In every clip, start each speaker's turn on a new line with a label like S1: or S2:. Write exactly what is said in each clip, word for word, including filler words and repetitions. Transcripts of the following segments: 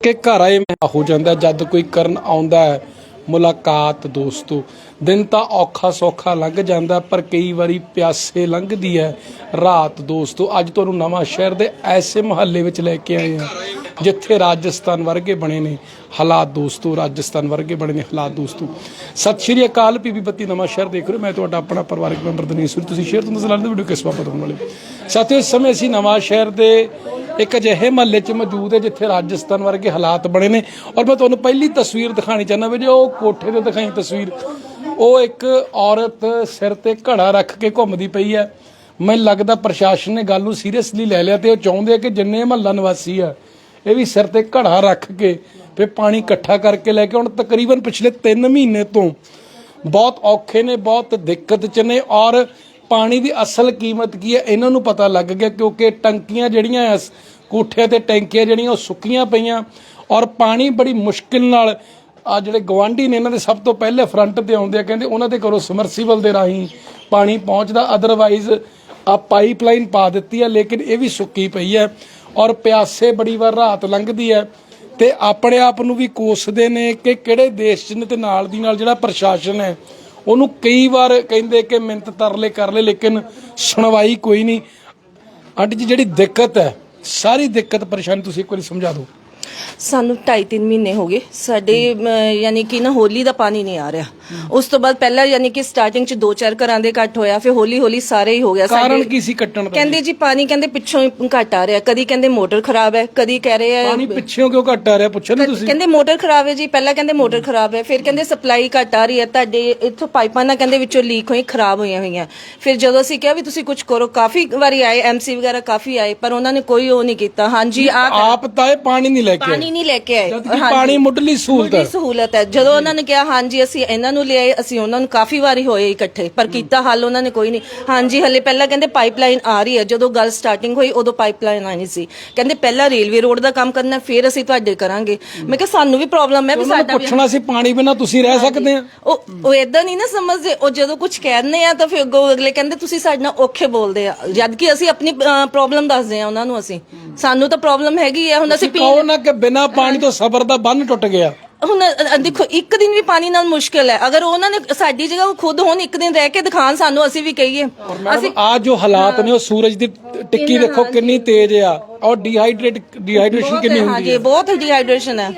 S1: कि घर आए हो जाता जद कोई करन आउंदा है मुलाकात दोस्तों। दिन तो औखा सौखा लंघ जाता पर कई बारी प्यासे लंघदी है रात दोस्तों। अज तुहानूं नवां शहर दे ऐसे मुहल्ले विच लैके आए हैं जिथे राजस्थान वर्गे बने ने हालात दोस्तों। राजस्थान वर्गे बने ने हालात दोस्तों। सत श्री अकाल। पीबी बत्ती नवां शहर देख रहे हो। मैं तुहाडा अपना परिवारक मैंबर दिनेश सूरी। तुसीं शेयर तो नज़र आते वीडियो किस बाबत होने वाले साथियों। इस समय असीं नवां शहर दे एक अजिहे महल्ले च मौजूद है जिथे राजस्थान वर्गे हालात बने ने और मैं तुहानूं पहली तस्वीर दिखानी चाहना भी जो कोठे ते दिखाई तस्वीर वो एक औरत सिर ते घड़ा रख के घूमदी पई है। मैनूं लगदा प्रशासन ने गल नूं सीरियसली लै लिया ते चाहुंदे कि जिन्ने महल्ला निवासी है ये भी सिर ते घड़ा रख के फिर पानी इकट्ठा करके लैके हुण तकरीबन पिछले तीन महीने तो बहुत औखे ने बहुत दिक्कत च ने और पानी की असल कीमत की है इन्हों पता लग गया क्योंकि टंकियां जड़ियां कोठे ते टैंकियां जड़ियां सुक्कियां पईयां और पानी बड़ी मुश्किल नाल आ जिहड़े गवांढी ने इन्हां दे सब तो पहले फ्रंट ते आउंदे आ कहंदे उन्हां दे घरों समरसीबल दे राहीं पानी पहुंचदा। अदरवाइज आ पाइपलाइन पा दित्ती है लेकिन ये भी सुक्की पई है और प्यासे बड़ी वार रात लंघदी है ते अपने आप नूं भी कोसदे ने कि किहड़े देश च ने ते नाल दी नाल जिहड़ा प्रशासन है ਉਹਨੂੰ कई बार कहते कि मिन्नत तरले कर ले लेकिन सुनवाई कोई नहीं। आंटी जी जी दिक्कत है सारी दिक्कत परेशानी तुसीं एक बार समझा दो।
S2: ਸਾਨੂੰ ਢਾਈ ਤਿੰਨ ਮਹੀਨੇ ਹੋ ਗਏ ਸਾਡੇ ਯਾਨੀ ਕਿ ਨਾ ਹੋਲੀ ਦਾ ਪਾਣੀ ਨਹੀਂ ਆ ਰਿਹਾ। ਉਸ ਤੋਂ ਬਾਅਦ ਪਹਿਲਾਂ ਯਾਨੀ ਕਿ ਸਟਾਰਟਿੰਗ ਚ ਦੋ ਚਾਰ ਘਰਾਂ ਦੇ ਕੱਟ ਹੋਇਆ ਫਿਰ ਹੌਲੀ ਹੌਲੀ ਸਾਰੇ ਹੀ ਹੋ ਗਿਆ।
S1: ਕਾਰਨ ਕੀ ਸੀ ਕੱਟਣ ਦਾ?
S2: ਕਹਿੰਦੇ ਜੀ ਪਾਣੀ ਕਹਿੰਦੇ ਪਿੱਛੋਂ ਹੀ ਘੱਟ ਆ ਰਿਹਾ। ਕਦੀ ਕਹਿੰਦੇ ਮੋਟਰ ਖਰਾਬ ਹੈ ਕਦੀ ਕਹਿ ਰਹੇ ਆ
S1: ਪਾਣੀ ਪਿੱਛੋਂ ਕਿਉਂ ਘੱਟ ਆ ਰਿਹਾ ਪੁੱਛੋ ਨਾ ਤੁਸੀਂ।
S2: ਕਹਿੰਦੇ ਮੋਟਰ ਖਰਾਬ ਹੈ ਜੀ ਪਹਿਲਾਂ ਕਹਿੰਦੇ ਮੋਟਰ ਖਰਾਬ ਹੈ ਫਿਰ ਕਹਿੰਦੇ ਸਪਲਾਈ ਘੱਟ ਆ ਰਹੀ ਹੈ ਤੁਹਾਡੇ ਇੱਥੋਂ ਪਾਈਪਾਂ ਨਾ ਕਹਿੰਦੇ ਵਿੱਚੋਂ ਲੀਕ ਹੋਈ ਖਰਾਬ ਹੋਈਆਂ ਹੋਈਆਂ। ਫਿਰ ਜਦੋਂ ਅਸੀਂ ਕਿਹਾ ਵੀ ਤੁਸੀਂ ਕੁਝ ਕਰੋ ਕਾਫੀ ਵਾਰੀ ਆਏ ਐਮਸੀ ਵਗੈਰਾ ਕਾਫੀ ਆਏ ਪਰ ਉਹਨਾਂ ਨੇ ਕੋਈ ਉਹ ਨਹੀਂ ਕੀਤਾ। ਹਾਂਜੀ
S1: ਆਪ ਤਾਂ ਇਹ ਪਾਣੀ ਨਹੀਂ ਲੈ ਕੇ
S2: ਪਾਣੀ ਨਹੀਂ ਲੈ ਕੇ ਆਏ।
S1: ਪਾਣੀ ਮੁੱਢਲੀ ਸਹੂਲਤ ਹੈ
S2: ਸਹੂਲਤ ਹੈ। ਜਦੋਂ ਉਹਨਾਂ ਨੇ ਕਿਹਾ ਹਾਂਜੀ ਅਸੀਂ ਇਹਨਾਂ ਨੂੰ ਲਿਆਏ ਅਸੀਂ ਉਹਨਾਂ ਨੂੰ ਕਾਫੀ ਵਾਰੀ ਹੋਏ ਇਕੱਠੇ ਪਰ ਕੀਤਾ ਹੱਲ ਉਹਨਾਂ ਨੇ ਕੋਈ ਨਹੀਂ। ਹਾਂਜੀ ਹਲੇ ਪਹਿਲਾਂ ਕਹਿੰਦੇ ਪਾਈਪਲਾਈਨ ਆ ਰਹੀ ਹੈ ਜਦੋਂ ਗੱਲ ਸਟਾਰਟਿੰਗ ਹੋਈ ਉਦੋਂ ਪਾਈਪਲਾਈਨ ਆਣੀ ਸੀ। ਕਹਿੰਦੇ ਪਹਿਲਾਂ ਰੇਲਵੇ ਰੋਡ ਦਾ ਕੰਮ ਕਰਨਾ ਫਿਰ ਅਸੀਂ ਤੁਹਾਡੇ ਕਰਾਂਗੇ। ਮੈਂ ਕਿਹਾ ਸਾਨੂੰ ਵੀ ਪ੍ਰੋਬਲਮ ਹੈ ਵੀ ਸਾਡਾ
S1: ਪੁੱਛਣਾ ਸੀ ਪਾਣੀ ਬਿਨਾਂ ਤੁਸੀਂ ਰਹਿ ਸਕਦੇ ਆ।
S2: ਉਹ ਉਹ ਇਦਾਂ ਨਹੀਂ ਨਾ ਸਮਝਦੇ। ਉਹ ਜਦੋਂ ਕੁਝ ਕਹਿੰਦੇ ਆ ਤਾਂ ਫਿਰ ਅੱਗੋਂ ਅਗਲੇ ਕਹਿੰਦੇ ਤੁਸੀਂ ਸਾਡੇ ਨਾਲ ਔਖੇ ਬੋਲਦੇ ਆ ਜਦ ਕਿ ਅਸੀਂ ਆਪਣੀ ਪ੍ਰੋਬਲਮ ਦੱਸਦੇ ਆ ਉਹਨਾਂ ਨੂੰ। ਅਸੀਂ ਸਾਨੂੰ ਤਾਂ ਪ੍ਰੋਬਲਮ ਹੈਗੀ ਆ। ਹੁਣ ਅਸੀਂ
S1: ਕਹੋ ਨਾ ਕਿ ਬਿਨਾਂ ਪਾਣੀ ਤੋਂ ਸਬਰ ਦਾ ਬੰਨ ਟੁੱਟ ਗਿਆ।
S2: ਹੁਣ ਦੇਖੋ ਇੱਕ ਦਿਨ ਵੀ ਪਾਣੀ ਨਾਲ ਮੁਸ਼ਕਿਲ ਹੈ। ਅਗਰ ਉਹਨਾਂ ਨੇ ਸਾਡੀ ਜਗ੍ਹਾ ਉਹ ਖੁਦ ਹੁਣ ਇੱਕ ਦਿਨ ਰਹਿ ਕੇ ਦਿਖਾਣ ਸਾਨੂੰ ਅਸੀਂ ਵੀ ਕਹੀਏ।
S1: ਅਸੀਂ ਆ ਜੋ ਹਾਲਾਤ ਨੇ ਉਹ ਸੂਰਜ ਦੀ ਟਿੱਕੀ ਦੇਖੋ ਕਿੰਨੀ ਤੇਜ਼ ਆ ਔਰ ਡੀਹਾਈਡਰੇਟ ਡੀਹਾਈਡਰੇਸ਼ਨ ਕਿੰਨੀ ਹੁੰਦੀ ਹੈ।
S2: ਹਾਂਜੀ ਬਹੁਤ ਡੀਹਾਈਡਰੇਸ਼ਨ ਹੈ।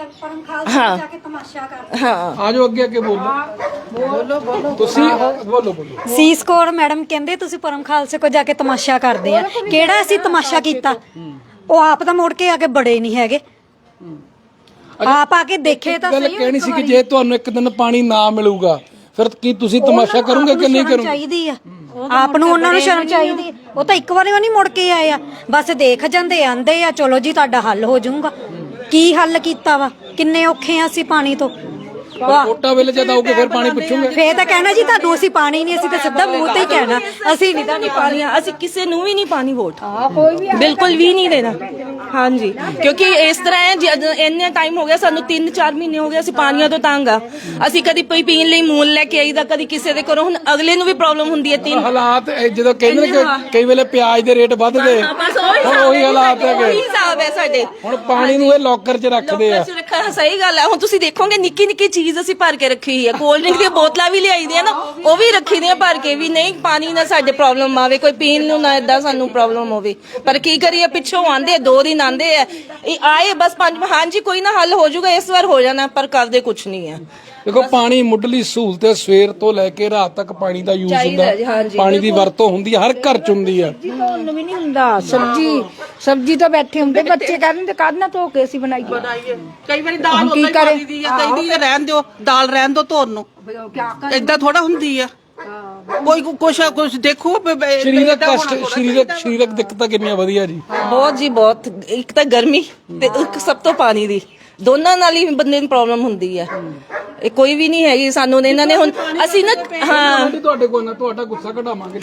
S2: ਹਾਂ ਹਾਂ
S1: ਆ ਜੋ ਅੱਗੇ ਅੱਗੇ ਬੋਲੋ ਬੋਲੋ ਬੋਲੋ ਤੁਸੀਂ ਬੋਲੋ ਬੋਲੋ।
S3: ਸੀਸ ਕੌਰ ਮੈਡਮ ਕਹਿੰਦੇ ਤੁਸੀਂ ਪਰਮ ਖਾਲਸੇ ਕੋ ਜਾ ਕੇ ਤਮਾਸ਼ਾ ਕਰਦੇ ਆ। ਕਿਹੜਾ ਅਸੀਂ ਤਮਾਸ਼ਾ ਕੀਤਾ? ਉਹ ਆਪ ਤਾਂ ਮੁੜ ਕੇ ਆ ਕੇ ਬੜੇ ਨਹੀਂ ਹੈਗੇ। ਆਪ ਆ ਕੇ ਦੇਖੇ ਤਾਂ
S1: ਗੱਲ ਕਹਿਣੀ ਸੀ ਕਿ ਜੇ ਤੁਹਾਨੂੰ ਇੱਕ ਦਿਨ ਪਾਣੀ ਨਾ ਮਿਲੂਗਾ ਫਿਰ ਕੀ ਤੁਸੀਂ ਤਮਾਸ਼ਾ ਕਰੋਗੇ ਕਿ ਨਹੀਂ ਕਰੋਗੇ?
S3: ਚਾਹੀਦੀ ਆ ਆਪ ਨੂੰ ਉਹਨਾਂ ਨੂੰ ਸ਼ਰਮ ਚਾਹੀਦੀ। ਉਹ ਤਾਂ ਇੱਕ ਵਾਰੀ ਵੀ ਨਹੀਂ ਮੁੜ ਕੇ ਆਏ ਆ ਬਸ ਦੇਖ ਜਾਂਦੇ ਆਂਦੇ ਆ ਚਲੋ ਜੀ ਤੁਹਾਡਾ ਹੱਲ ਹੋ ਜਾਊਗਾ। ਕੀ ਹੱਲ ਕੀਤਾ ਵਾ? ਕਿੰਨੇ ਔਖੇ ਆ ਅਸੀਂ ਪਾਣੀ ਤੋਂ।
S1: ਵੋਟਾਂ ਵੇਲੇ ਜਦ ਆਓਗੇ ਫਿਰ ਪਾਣੀ ਪੁੱਛੋਗੇ
S3: ਫੇਰ ਤਾਂ ਕਹਿਣਾ ਜੀ ਤੁਹਾਨੂੰ ਅਸੀਂ ਪਾਣੀ ਨਹੀਂ ਅਸੀਂ ਤਾਂ ਸਿੱਧਾ ਮੂੰਹ ਤੇ ਹੀ ਕਹਿਣਾ ਅਸੀਂ ਨਹੀਂ ਤੁਹਾਨੂੰ
S2: ਪਾਣੀ ਅਸੀਂ ਕਿਸੇ ਨੂੰ ਵੀ ਨਹੀਂ ਪਾਣੀ ਵੋਟ ਬਿਲਕੁਲ ਵੀ ਨਹੀਂ ਦੇਣਾ। ਹਾਂਜੀ ਕਿਉਂਕਿ ਇਸ ਤਰ੍ਹਾਂ ਹੈ ਇੰਨੇ ਟਾਈਮ ਹੋ ਗਿਆ ਸਾਨੂੰ ਤਿੰਨ ਚਾਰ ਮਹੀਨੇ ਹੋ ਗਏ ਅਸੀਂ ਪਾਣੀਆਂ ਤੋਂ ਤੰਗ ਆ। ਅਸੀਂ ਕਦੀ ਕੋਈ ਪੀਣ ਲਈ ਮੂਲ ਲੈ ਕੇ ਆਈਦਾ ਕਦੀ ਕਿਸੇ ਦੇ ਘਰੋਂ। ਹੁਣ ਅਗਲੇ ਨੂੰ ਵੀ ਪ੍ਰੋਬਲਮ ਹੁੰਦੀ ਹੈ। ਤਿੰਨ
S1: ਹਾਲਾਤ ਜਦੋਂ ਕਹਿੰਦੇ ਨੇ ਕਈ ਵੇਲੇ ਪਿਆਜ਼ ਦੇ ਰੇਟ ਵੱਧ ਗਏ ਹੁਣ ਉਹੀ ਹਾਲਾਤ ਹੈਗੇ।
S2: ਉਹੀ ਹਿਸਾਬ ਹੈ ਸਾਡੇ।
S1: ਹੁਣ ਪਾਣੀ ਨੂੰ ਇਹ ਲੋਕਰ 'ਚ ਰੱਖਦੇ ਆ।
S2: ਸਹੀ ਗੱਲ ਹੈ। ਹੁਣ ਤੁਸੀਂ ਦੇਖੋਗੇ ਨਿੱਕੀ ਨਿੱਕੀ ਚੀਜ਼ ਅਸੀਂ ਭਰ ਕੇ ਰੱਖੀ ਹੋਈ ਹੈ। ਕੋਲਡ ਡਰਿੰਕ ਦੀਆਂ ਬੋਤਲਾਂ ਵੀ ਲਿਆਈ ਦੀਆਂ ਨਾ ਉਹ ਵੀ ਰੱਖੀ ਦੀਆਂ ਭਰ ਕੇ ਵੀ ਨਹੀਂ ਪਾਣੀ ਨਾਲ ਸਾਡੇ ਪ੍ਰੋਬਲਮ ਆਵੇ ਕੋਈ ਪੀਣ ਨੂੰ ਨਾ ਏਦਾਂ ਸਾਨੂੰ ਪ੍ਰੋਬਲਮ ਹੋਵੇ। ਪਰ ਕੀ ਕਰੀਏ ਪਿੱਛੋਂ ਆਂਦੇ ਦੋ ਦਿਨ ਆਂਦੇ ਆ ਇਹ ਆਏ ਬਸ ਪੰਜ ਹਾਂਜੀ ਕੋਈ ਨਾ ਹੱਲ ਹੋ ਜਾਊਗਾ ਇਸ ਵਾਰ ਹੋ ਜਾਣਾ ਪਰ ਕਰਦੇ ਕੁਛ ਨਹੀਂ ਹੈ।
S1: ਦੇਖੋ ਪਾਣੀ ਮੁੱਢਲੀ ਸਹੂਲਤ ਹੈ। ਸਵੇਰ ਤੋਂ ਲੈ ਕੇ ਰਾਤ ਤੱਕ ਪਾਣੀ ਦਾ ਯੂਜ਼ ਹੁੰਦਾ ਪਾਣੀ ਦੀ ਵਰਤੋਂ ਹੁੰਦੀ ਹੈ ਹਰ ਘਰ ਚ ਹੁੰਦੀ ਹੈ।
S4: ਧੋਣ ਵੀ ਨਹੀਂ ਹੁੰਦਾ ਸਬਜੀ ਸਬਜੀ ਤੋਂ ਬੈਠੇ ਹੁੰਦੇ ਬੱਚੇ ਕਹਿੰਦੇ ਕਾਹਦੇ ਨਾਲ ਧੋ ਕੇ ਅਸੀਂ ਬਣਾਈਏ।
S5: ਕਈ ਵਾਰੀ ਦਾਲ ਉਦਾਂ ਹੀ ਪਾਈ ਦੀ ਆ ਕਈ ਦੀ ਰਹਿਣ ਦਿਓ ਦਾਲ ਰਹਿਣ ਦਿਓ ਧੋਣ ਨੂੰ ਏਦਾਂ ਥੋੜਾ ਹੁੰਦੀ ਆ। ਕੋਈ ਕੁਛ ਕੁਛ ਦੇਖੋ
S1: ਸਰੀਰਕ ਕਸ਼ਟ ਸਰੀਰਕ ਸਰੀਰਕ ਦਿੱਕਤਾਂ ਕਿੰਨੀਆਂ ਵਧੀਆ ਜੀ।
S2: ਬਹੁਤ ਜੀ ਬਹੁਤ। ਇੱਕ ਤਾਂ ਗਰਮੀ ਤੇ ਇੱਕ ਸਭ ਤੋਂ ਪਾਣੀ ਦੀ ਦੋਨਾਂ ਨਾਲ ਹੀ ਬੰਦੇ ਨੂੰ ਪ੍ਰੋਬਲਮ ਹੁੰਦੀ ਹੈ। ਇਹ ਕੋਈ ਵੀ ਨਹੀਂ ਹੈਗੀ ਸਾਨੂੰ ਇਹਨਾਂ ਨੇ ਹੁਣ ਅਸੀਂ ਨਾ ਹਾਂ
S1: ਤੁਹਾਡੇ ਕੋਲ ਨਾ ਤੁਹਾਡਾ ਗੁੱਸਾ ਕਢਾਵਾਂਗੇ।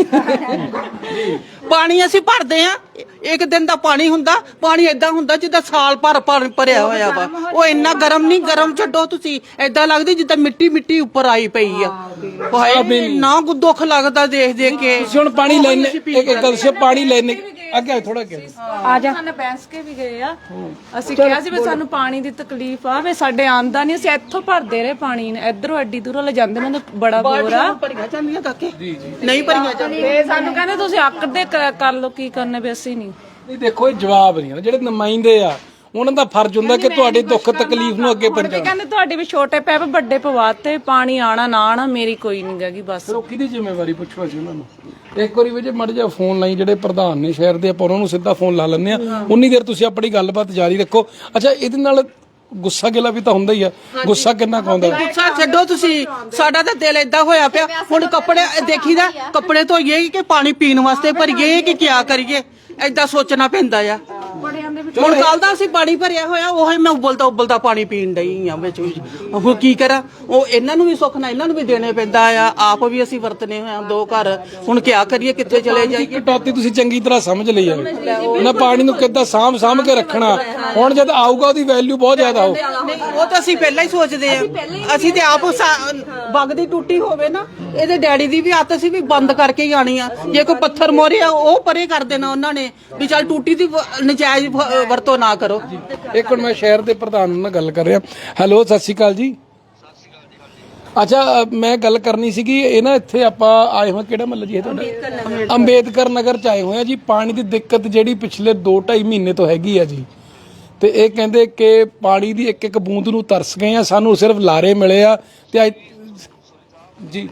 S5: ਪਾਣੀ ਅਸੀਂ ਭਰਦੇ ਆ ਇੱਕ ਦਿਨ ਦਾ ਪਾਣੀ ਹੁੰਦਾ ਪਾਣੀ ਏਦਾਂ ਹੁੰਦਾ ਜਿੱਦਾਂ ਸਾਲ ਭਰ ਭਰ ਭਰਿਆ ਹੋਇਆ ਵਾ। ਉਹ ਇੰਨਾ ਗਰਮ ਨਹੀਂ ਗਰਮ ਛੱਡੋ ਤੁਸੀਂ ਏਦਾਂ ਲੱਗਦੀ ਜਿੱਦਾਂ ਮਿੱਟੀ ਮਿੱਟੀ ਉੱਪਰ ਆਈ ਪਈ ਆ। ਹਾਏ ਨਾ ਦੁੱਖ ਲੱਗਦਾ ਦੇਖ ਦੇਖ ਕੇ।
S1: ਹੁਣ ਪਾਣੀ ਲੈਣੇ ਇੱਕ ਗੱਲ ਸੇ ਪਾਣੀ ਲੈਣੇ ਅੱਗੇ ਥੋੜਾ ਅੱਗੇ
S4: ਆ ਜਾ
S6: ਸਾਨੂੰ ਬੈਂਸ ਕੇ ਵੀ ਗਏ ਆ ਅਸੀਂ ਕਿਹਾ ਸੀ ਵੀ ਸਾਨੂੰ ਪਾਣੀ ਦੀ ਤਕਲੀਫ ਆ ਵੀ ਸਾਡੇ ਆਂਦਾ ਨਹੀਂ ਅਸੀਂ ਇੱਥੋਂ ਭਰਦੇ ਰਹੇ ਪਾਣੀ ਨੇ ਇਧਰੋਂ ਐਡੀ ਦੂਰੋਂ ਲੈ ਜਾਂਦੇ ਉਹਨਾਂ ਦਾ ਬੜਾ ਬੋਰ ਆ
S5: ਭਰੀਆਂ ਜਾਂਦੀਆਂ ਕਾਕੇ ਨਹੀਂ ਭਰੀਆਂ ਜਾਂਦੀਆਂ
S6: ਤੇ ਸਾਨੂੰ ਕਹਿੰਦੇ ਤੁਸੀਂ ਆਕੜਦੇ ਕਰ ਲਓ ਕੀ ਕਰਨੇ ਵੀ ਅਸੀਂ ਨਹੀਂ
S1: ਨਹੀਂ ਦੇਖੋ ਇਹ ਜਵਾਬ ਨਹੀਂ ਆ ਜਿਹੜੇ ਨੁਮਾਇੰਦੇ ਆ ਉਹਨਾਂ ਦਾ ਫਰਜ਼ ਹੁੰਦਾ ਕਿ ਤੁਹਾਡੇ ਦੁੱਖ ਤਕਲੀਫ ਨੂੰ ਅੱਗੇ ਪਹੁੰਚਾਉਣਾ।
S6: ਕਹਿੰਦੇ ਤੁਹਾਡੇ ਵੀ ਛੋਟੇ ਪੈਪ ਵੱਡੇ ਪਵਾਤੇ ਪਾਣੀ ਆਣਾ ਨਾ ਆਣਾ ਮੇਰੀ ਕੋਈ ਨਹੀਂ ਹੈਗੀ ਬਸ
S1: ਫਿਰ ਉਹ ਕਿਹਦੀ ਜ਼ਿੰਮੇਵਾਰੀ ਪੁੱਛੋ ਅਸੀਂ ਉਹਨਾਂ ਨੂੰ। ਇੱਕ ਵਾਰੀ ਵੀ ਮੜ ਜਾ ਫੋਨ ਲਾਈ ਜਿਹੜੇ ਪ੍ਰਧਾਨ ਨੇ ਸ਼ਹਿਰ ਦੇ, ਆਪਾਂ ਉਹਨਾਂ ਨੂੰ ਸਿੱਧਾ ਫੋਨ ਲਾ ਲੈਂਦੇ ਆ, ਉਨੀ ਦੇਰ ਤੁਸੀਂ ਆਪਣੀ ਗੱਲਬਾਤ ਜਾਰੀ ਰੱਖੋ। ਅੱਛਾ, ਇਹਦੇ ਨਾਲ ਗੁੱਸਾ ਗਿਲਾ ਵੀ ਤਾਂ ਹੁੰਦਾ ਹੀ ਆ, ਗੁੱਸਾ ਕਿੰਨਾ ਕੁ ਆਉਂਦਾ?
S5: ਗੁੱਸਾ ਛੱਡੋ ਤੁਸੀਂ, ਸਾਡਾ ਤਾਂ ਦਿਲ ਏਦਾਂ ਹੋਇਆ ਪਿਆ ਹੁਣ ਕੱਪੜੇ ਦੇਖੀਦਾ, ਕੱਪੜੇ ਧੋਈਏ ਕਿ ਪਾਣੀ ਪੀਣ ਵਾਸਤੇ ਭਰੀਏ ਕਿ ਕਿਆ ਕਰੀਏ, ਏਦਾਂ ਸੋਚਣਾ ਪੈਂਦਾ ਆ। ਹੁਣ ਕੱਲ ਦਾ ਅਸੀਂ ਪਾਣੀ ਭਰਿਆ ਹੋਇਆ, ਉਹ ਮੈਂ ਉਬਲਦਾ ਉਬਲਦਾ ਪਾਣੀ ਪੀਣ ਡਈ ਆ ਵਿੱਚ ਵਿੱਚ। ਹੁਣ ਕੀ ਕਰਾਂ, ਉਹ ਇਹਨਾਂ ਨੂੰ ਵੀ ਸੁੱਖ ਨਾ ਇਹਨਾਂ ਨੂੰ ਵੀ ਦੇਣੇ ਪੈਂਦਾ ਆ, ਆਪ ਵੀ ਅਸੀਂ ਵਰਤਨੇ ਹੋਏ ਆ ਦੋ ਘਰ, ਹੁਣ ਕਿਆ ਕਰੀਏ, ਕਿੱਥੇ ਚਲੇ ਜਾਈਏ।
S1: ਕਟੌਤੀ ਤੁਸੀਂ ਚੰਗੀ ਤਰ੍ਹਾਂ ਸਮਝ ਲਈ ਆ, ਉਹਨਾਂ ਪਾਣੀ ਨੂੰ ਕਿੱਦਾਂ ਸਾਂਭ ਸਾਂਭ ਕੇ ਰੱਖਣਾ, ਹੁਣ ਜਦ ਆਊਗਾ ਉਹਦੀ ਵੈਲਿਊ ਬਹੁਤ ਜ਼ਿਆਦਾ ਹੋਊ।
S5: ਨਹੀਂ, ਉਹ ਤਾਂ ਅਸੀਂ ਪਹਿਲਾਂ ਹੀ ਸੋਚਦੇ ਆ, ਅਸੀਂ ਤੇ ਆਪ ਵਗਦੀ ਟੁੱਟੀ ਹੋਵੇ ਨਾ, ਇਹਦੇ ਡੈਡੀ ਦੀ ਵੀ ਆਦਤ ਸੀ ਵੀ ਬੰਦ ਕਰਕੇ ਹੀ ਆਣੀ ਆ, ਜੇ ਕੋਈ ਪੱਥਰ ਮੋਰੇ ਆ ਉਹ ਪਰੇ ਕਰ ਦੇਣਾ ਉਹਨਾਂ ਨੇ ਵੀ ਚੱਲ ਟੂਟੀ ਦੀ ਨਜਾਇਜ਼ ਵਰਤੋਂ ਨਾ ਕਰੋ।
S1: ਇੱਕ ਮਿੰਟ, ਮੈਂ ਸ਼ਹਿਰ ਦੇ ਪ੍ਰਧਾਨ ਨਾਲ ਗੱਲ ਕਰ ਰਿਹਾ। ਹੈਲੋ, ਸਤਿ ਸ਼੍ਰੀ ਅਕਾਲ ਜੀ। ਅੱਛਾ, ਮੈਂ ਗੱਲ ਕਰਨੀ ਸੀਗੀ, ਇਹ ਨਾ ਇੱਥੇ ਆਪਾਂ ਆਏ ਹੋਏ, ਕਿਹੜਾ ਮਹੱਲਾ ਜੀ ਇਹ ਤੁਹਾਡਾ? ਅੰਬੇਦਕਰ ਨਗਰ ਚ ਆਏ ਹੋਏ ਆ ਜੀ। ਪਾਣੀ ਦੀ ਦਿੱਕਤ ਜਿਹੜੀ ਪਿਛਲੇ ਦੋ ਢਾਈ ਮਹੀਨੇ ਤੋਂ ਹੈਗੀ ਆ ਜੀ, ਤੇ ਇਹ ਕਹਿੰਦੇ ਕਿ ਪਾਣੀ ਦੀ ਇੱਕ ਇੱਕ ਬੂੰਦ ਨੂੰ ਤਰਸ ਗਏ ਆ, ਸਾਨੂੰ ਸਿਰਫ ਲਾਰੇ ਮਿਲੇ ਆ। ਤੇ ਜੀ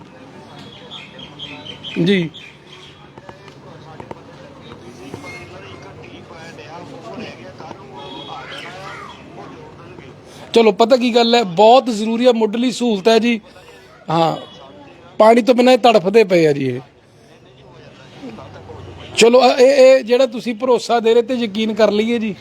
S1: ਜੀ ਚਲੋ, ਪਤਾ ਕੀ ਗੱਲ ਹੈ, ਬਹੁਤ ਜ਼ਰੂਰੀ ਹੈ, ਮੁੱਢਲੀ ਸਹੂਲਤ ਹੈ ਜੀ। ਹਾਂ, ਪਾਣੀ ਤੋਂ ਬਿਨਾਂ ਇਹ ਤੜਫਦੇ ਪਏ ਆ ਜੀ ਇਹ। ਚਲੋ, ਇਹ ਇਹ ਜਿਹੜਾ ਤੁਸੀਂ ਭਰੋਸਾ ਦੇ ਰਹੇ ਤੇ ਯਕੀਨ ਕਰ ਲਈਏ ਜੀ।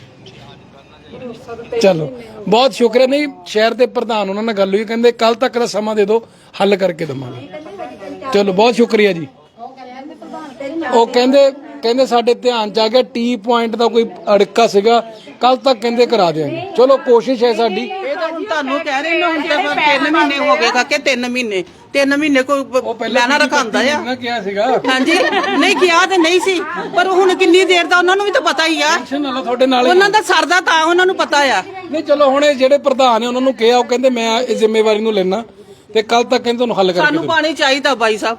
S1: ਚਲੋ, ਬਹੁਤ ਸ਼ੁਕਰੀਆ। ਨਹੀਂ, ਸ਼ਹਿਰ ਦੇ ਪ੍ਰਧਾਨ ਉਹਨਾਂ ਨਾਲ ਗੱਲ ਹੋਈ, ਕਹਿੰਦੇ ਕੱਲ ਤੱਕ ਦਾ ਸਮਾਂ ਦੇ ਦਿਓ, ਹੱਲ ਕਰਕੇ ਦੇਵਾਂਗੇ। ਚਲੋ, ਬਹੁਤ ਸ਼ੁਕਰੀਆ ਜੀ। ਉਹ ਕਹਿੰਦੇ ਕਹਿੰਦੇ ਸਾਡੇ ਧਿਆਨ ਚ ਆ ਗਿਆ, ਟੀ ਪੁਆਇੰਟ ਦਾ ਕੋਈ ਅੜਕਾ ਸੀਗਾ, ਕੱਲ ਤੱਕ ਕਹਿੰਦੇ ਕਰਾ ਦਿਆਂਗੇ। ਚਲੋ, ਕੋਸ਼ਿਸ਼ ਹੈ ਸਾਡੀ।
S5: ਇਹ ਤਾਂ ਹੁਣ ਤੁਹਾਨੂੰ ਕਹਿ ਰਹੇ ਨੇ, ਹੁਣ ਤਾਂ ਤਿੰਨ ਮਹੀਨੇ ਹੋ ਗਏ ਕਾਕੇ, ਤਿੰਨ ਮਹੀਨੇ ਤਿੰਨ ਮਹੀਨੇ ਕੋਈ ਲੈਣਾ ਰਖਾਂਦਾ ਆ।
S1: ਮੈਂ ਕਿਹਾ ਸੀਗਾ
S5: ਹਾਂਜੀ, ਨਹੀਂ ਕਿਹਾ ਤੇ ਨਹੀਂ ਸੀ, ਪਰ ਹੁਣ ਕਿੰਨੀ ਦੇਰ ਦਾ ਉਹਨਾਂ ਨੂੰ ਵੀ ਤਾਂ ਪਤਾ ਹੀ ਆ,
S1: ਤੁਹਾਡੇ ਨਾਲ
S5: ਉਹਨਾਂ ਦਾ ਸਰਦਾ ਤਾਂ ਉਹਨਾਂ ਨੂੰ ਪਤਾ ਆ।
S1: ਨਹੀਂ, ਚਲੋ, ਹੁਣ ਇਹ ਜਿਹੜੇ ਪ੍ਰਧਾਨ ਨੇ ਉਹਨਾਂ ਨੂੰ ਕਿਹਾ, ਉਹ ਕਹਿੰਦੇ ਮੈਂ ਇਹ ਜ਼ਿੰਮੇਵਾਰੀ ਨੂੰ ਲੈਣਾ, ਤੇ ਕੱਲ ਤੱਕ ਕਹਿੰਦੇ ਤੁਹਾਨੂੰ ਹੱਲ ਕਰਕੇ
S5: ਸਾਨੂੰ ਪਾਣੀ ਚਾਹੀਦਾ ਬਾਈ ਸਾਹਿਬ।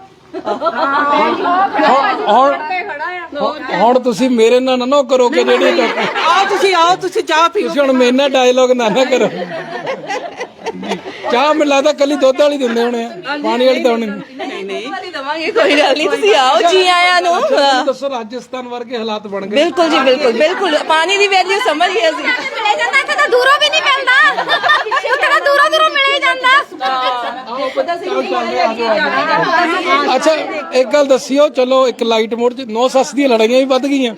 S1: ਹੁਣ ਹੁਣ ਤੁਸੀਂ ਮੇਰੇ ਨਾਲ ਨਾ ਕਰੋਗੇ, ਜਿਹੜੀ
S5: ਆਓ ਤੁਸੀਂ ਆਓ ਤੁਸੀਂ ਚਾਹ ਪੀਓ।
S1: ਤੁਸੀਂ ਹੁਣ ਮੇਰੇ ਨਾਲ ਡਾਇਲੋਗ ਨਾ ਨਾ ਕਰੋ। ਚਾਹ ਮੈਨੂੰ ਲੱਗਦਾ ਕੱਲੀ ਦੁੱਧ ਵਾਲੀ ਦਿੰਦੇ ਹੋਣੇ ਆ, ਪਾਣੀ ਵਾਲੀ ਤਾਂ ਹੋਣੀ
S5: ਨਹੀਂ ਨਹੀਂ
S2: ਵਾਲੀ ਦਵਾਂਗੇ, ਕੋਈ ਗੱਲ ਨਹੀਂ, ਤੁਸੀਂ ਆਓ, ਜੀ ਆਇਆਂ ਨੂੰ।
S1: ਦੱਸੋ, ਰਾਜਸਥਾਨ ਵਰਗੇ ਹਾਲਾਤ ਬਣ ਗਏ।
S2: ਬਿਲਕੁਲ ਜੀ, ਬਿਲਕੁਲ ਬਿਲਕੁਲ, ਪਾਣੀ ਦੀ ਵੈਲਿਊ ਸਮਝ ਗਏ ਅਸੀਂ।
S3: ਮਿਲੇ ਜਾਂਦਾ, ਇੱਥੇ ਤਾਂ ਦੂਰੋਂ ਵੀ ਨਹੀਂ ਮਿਲਦਾ, ਉੱਥੇ ਤਾਂ ਦੂਰੋਂ ਦੂਰੋਂ ਮਿਲੇ ਜਾਂਦਾ।
S1: ਅੱਛਾ, ਇੱਕ ਗੱਲ ਦੱਸਿਓ, ਚਲੋ, ਇੱਕ ਲਾਈਟ ਮੋੜ ਚ ਨੌ ਸੱਸ ਦੀਆਂ ਲੜਾਈਆਂ ਵੀ ਵੱਧ ਗਈਆਂ।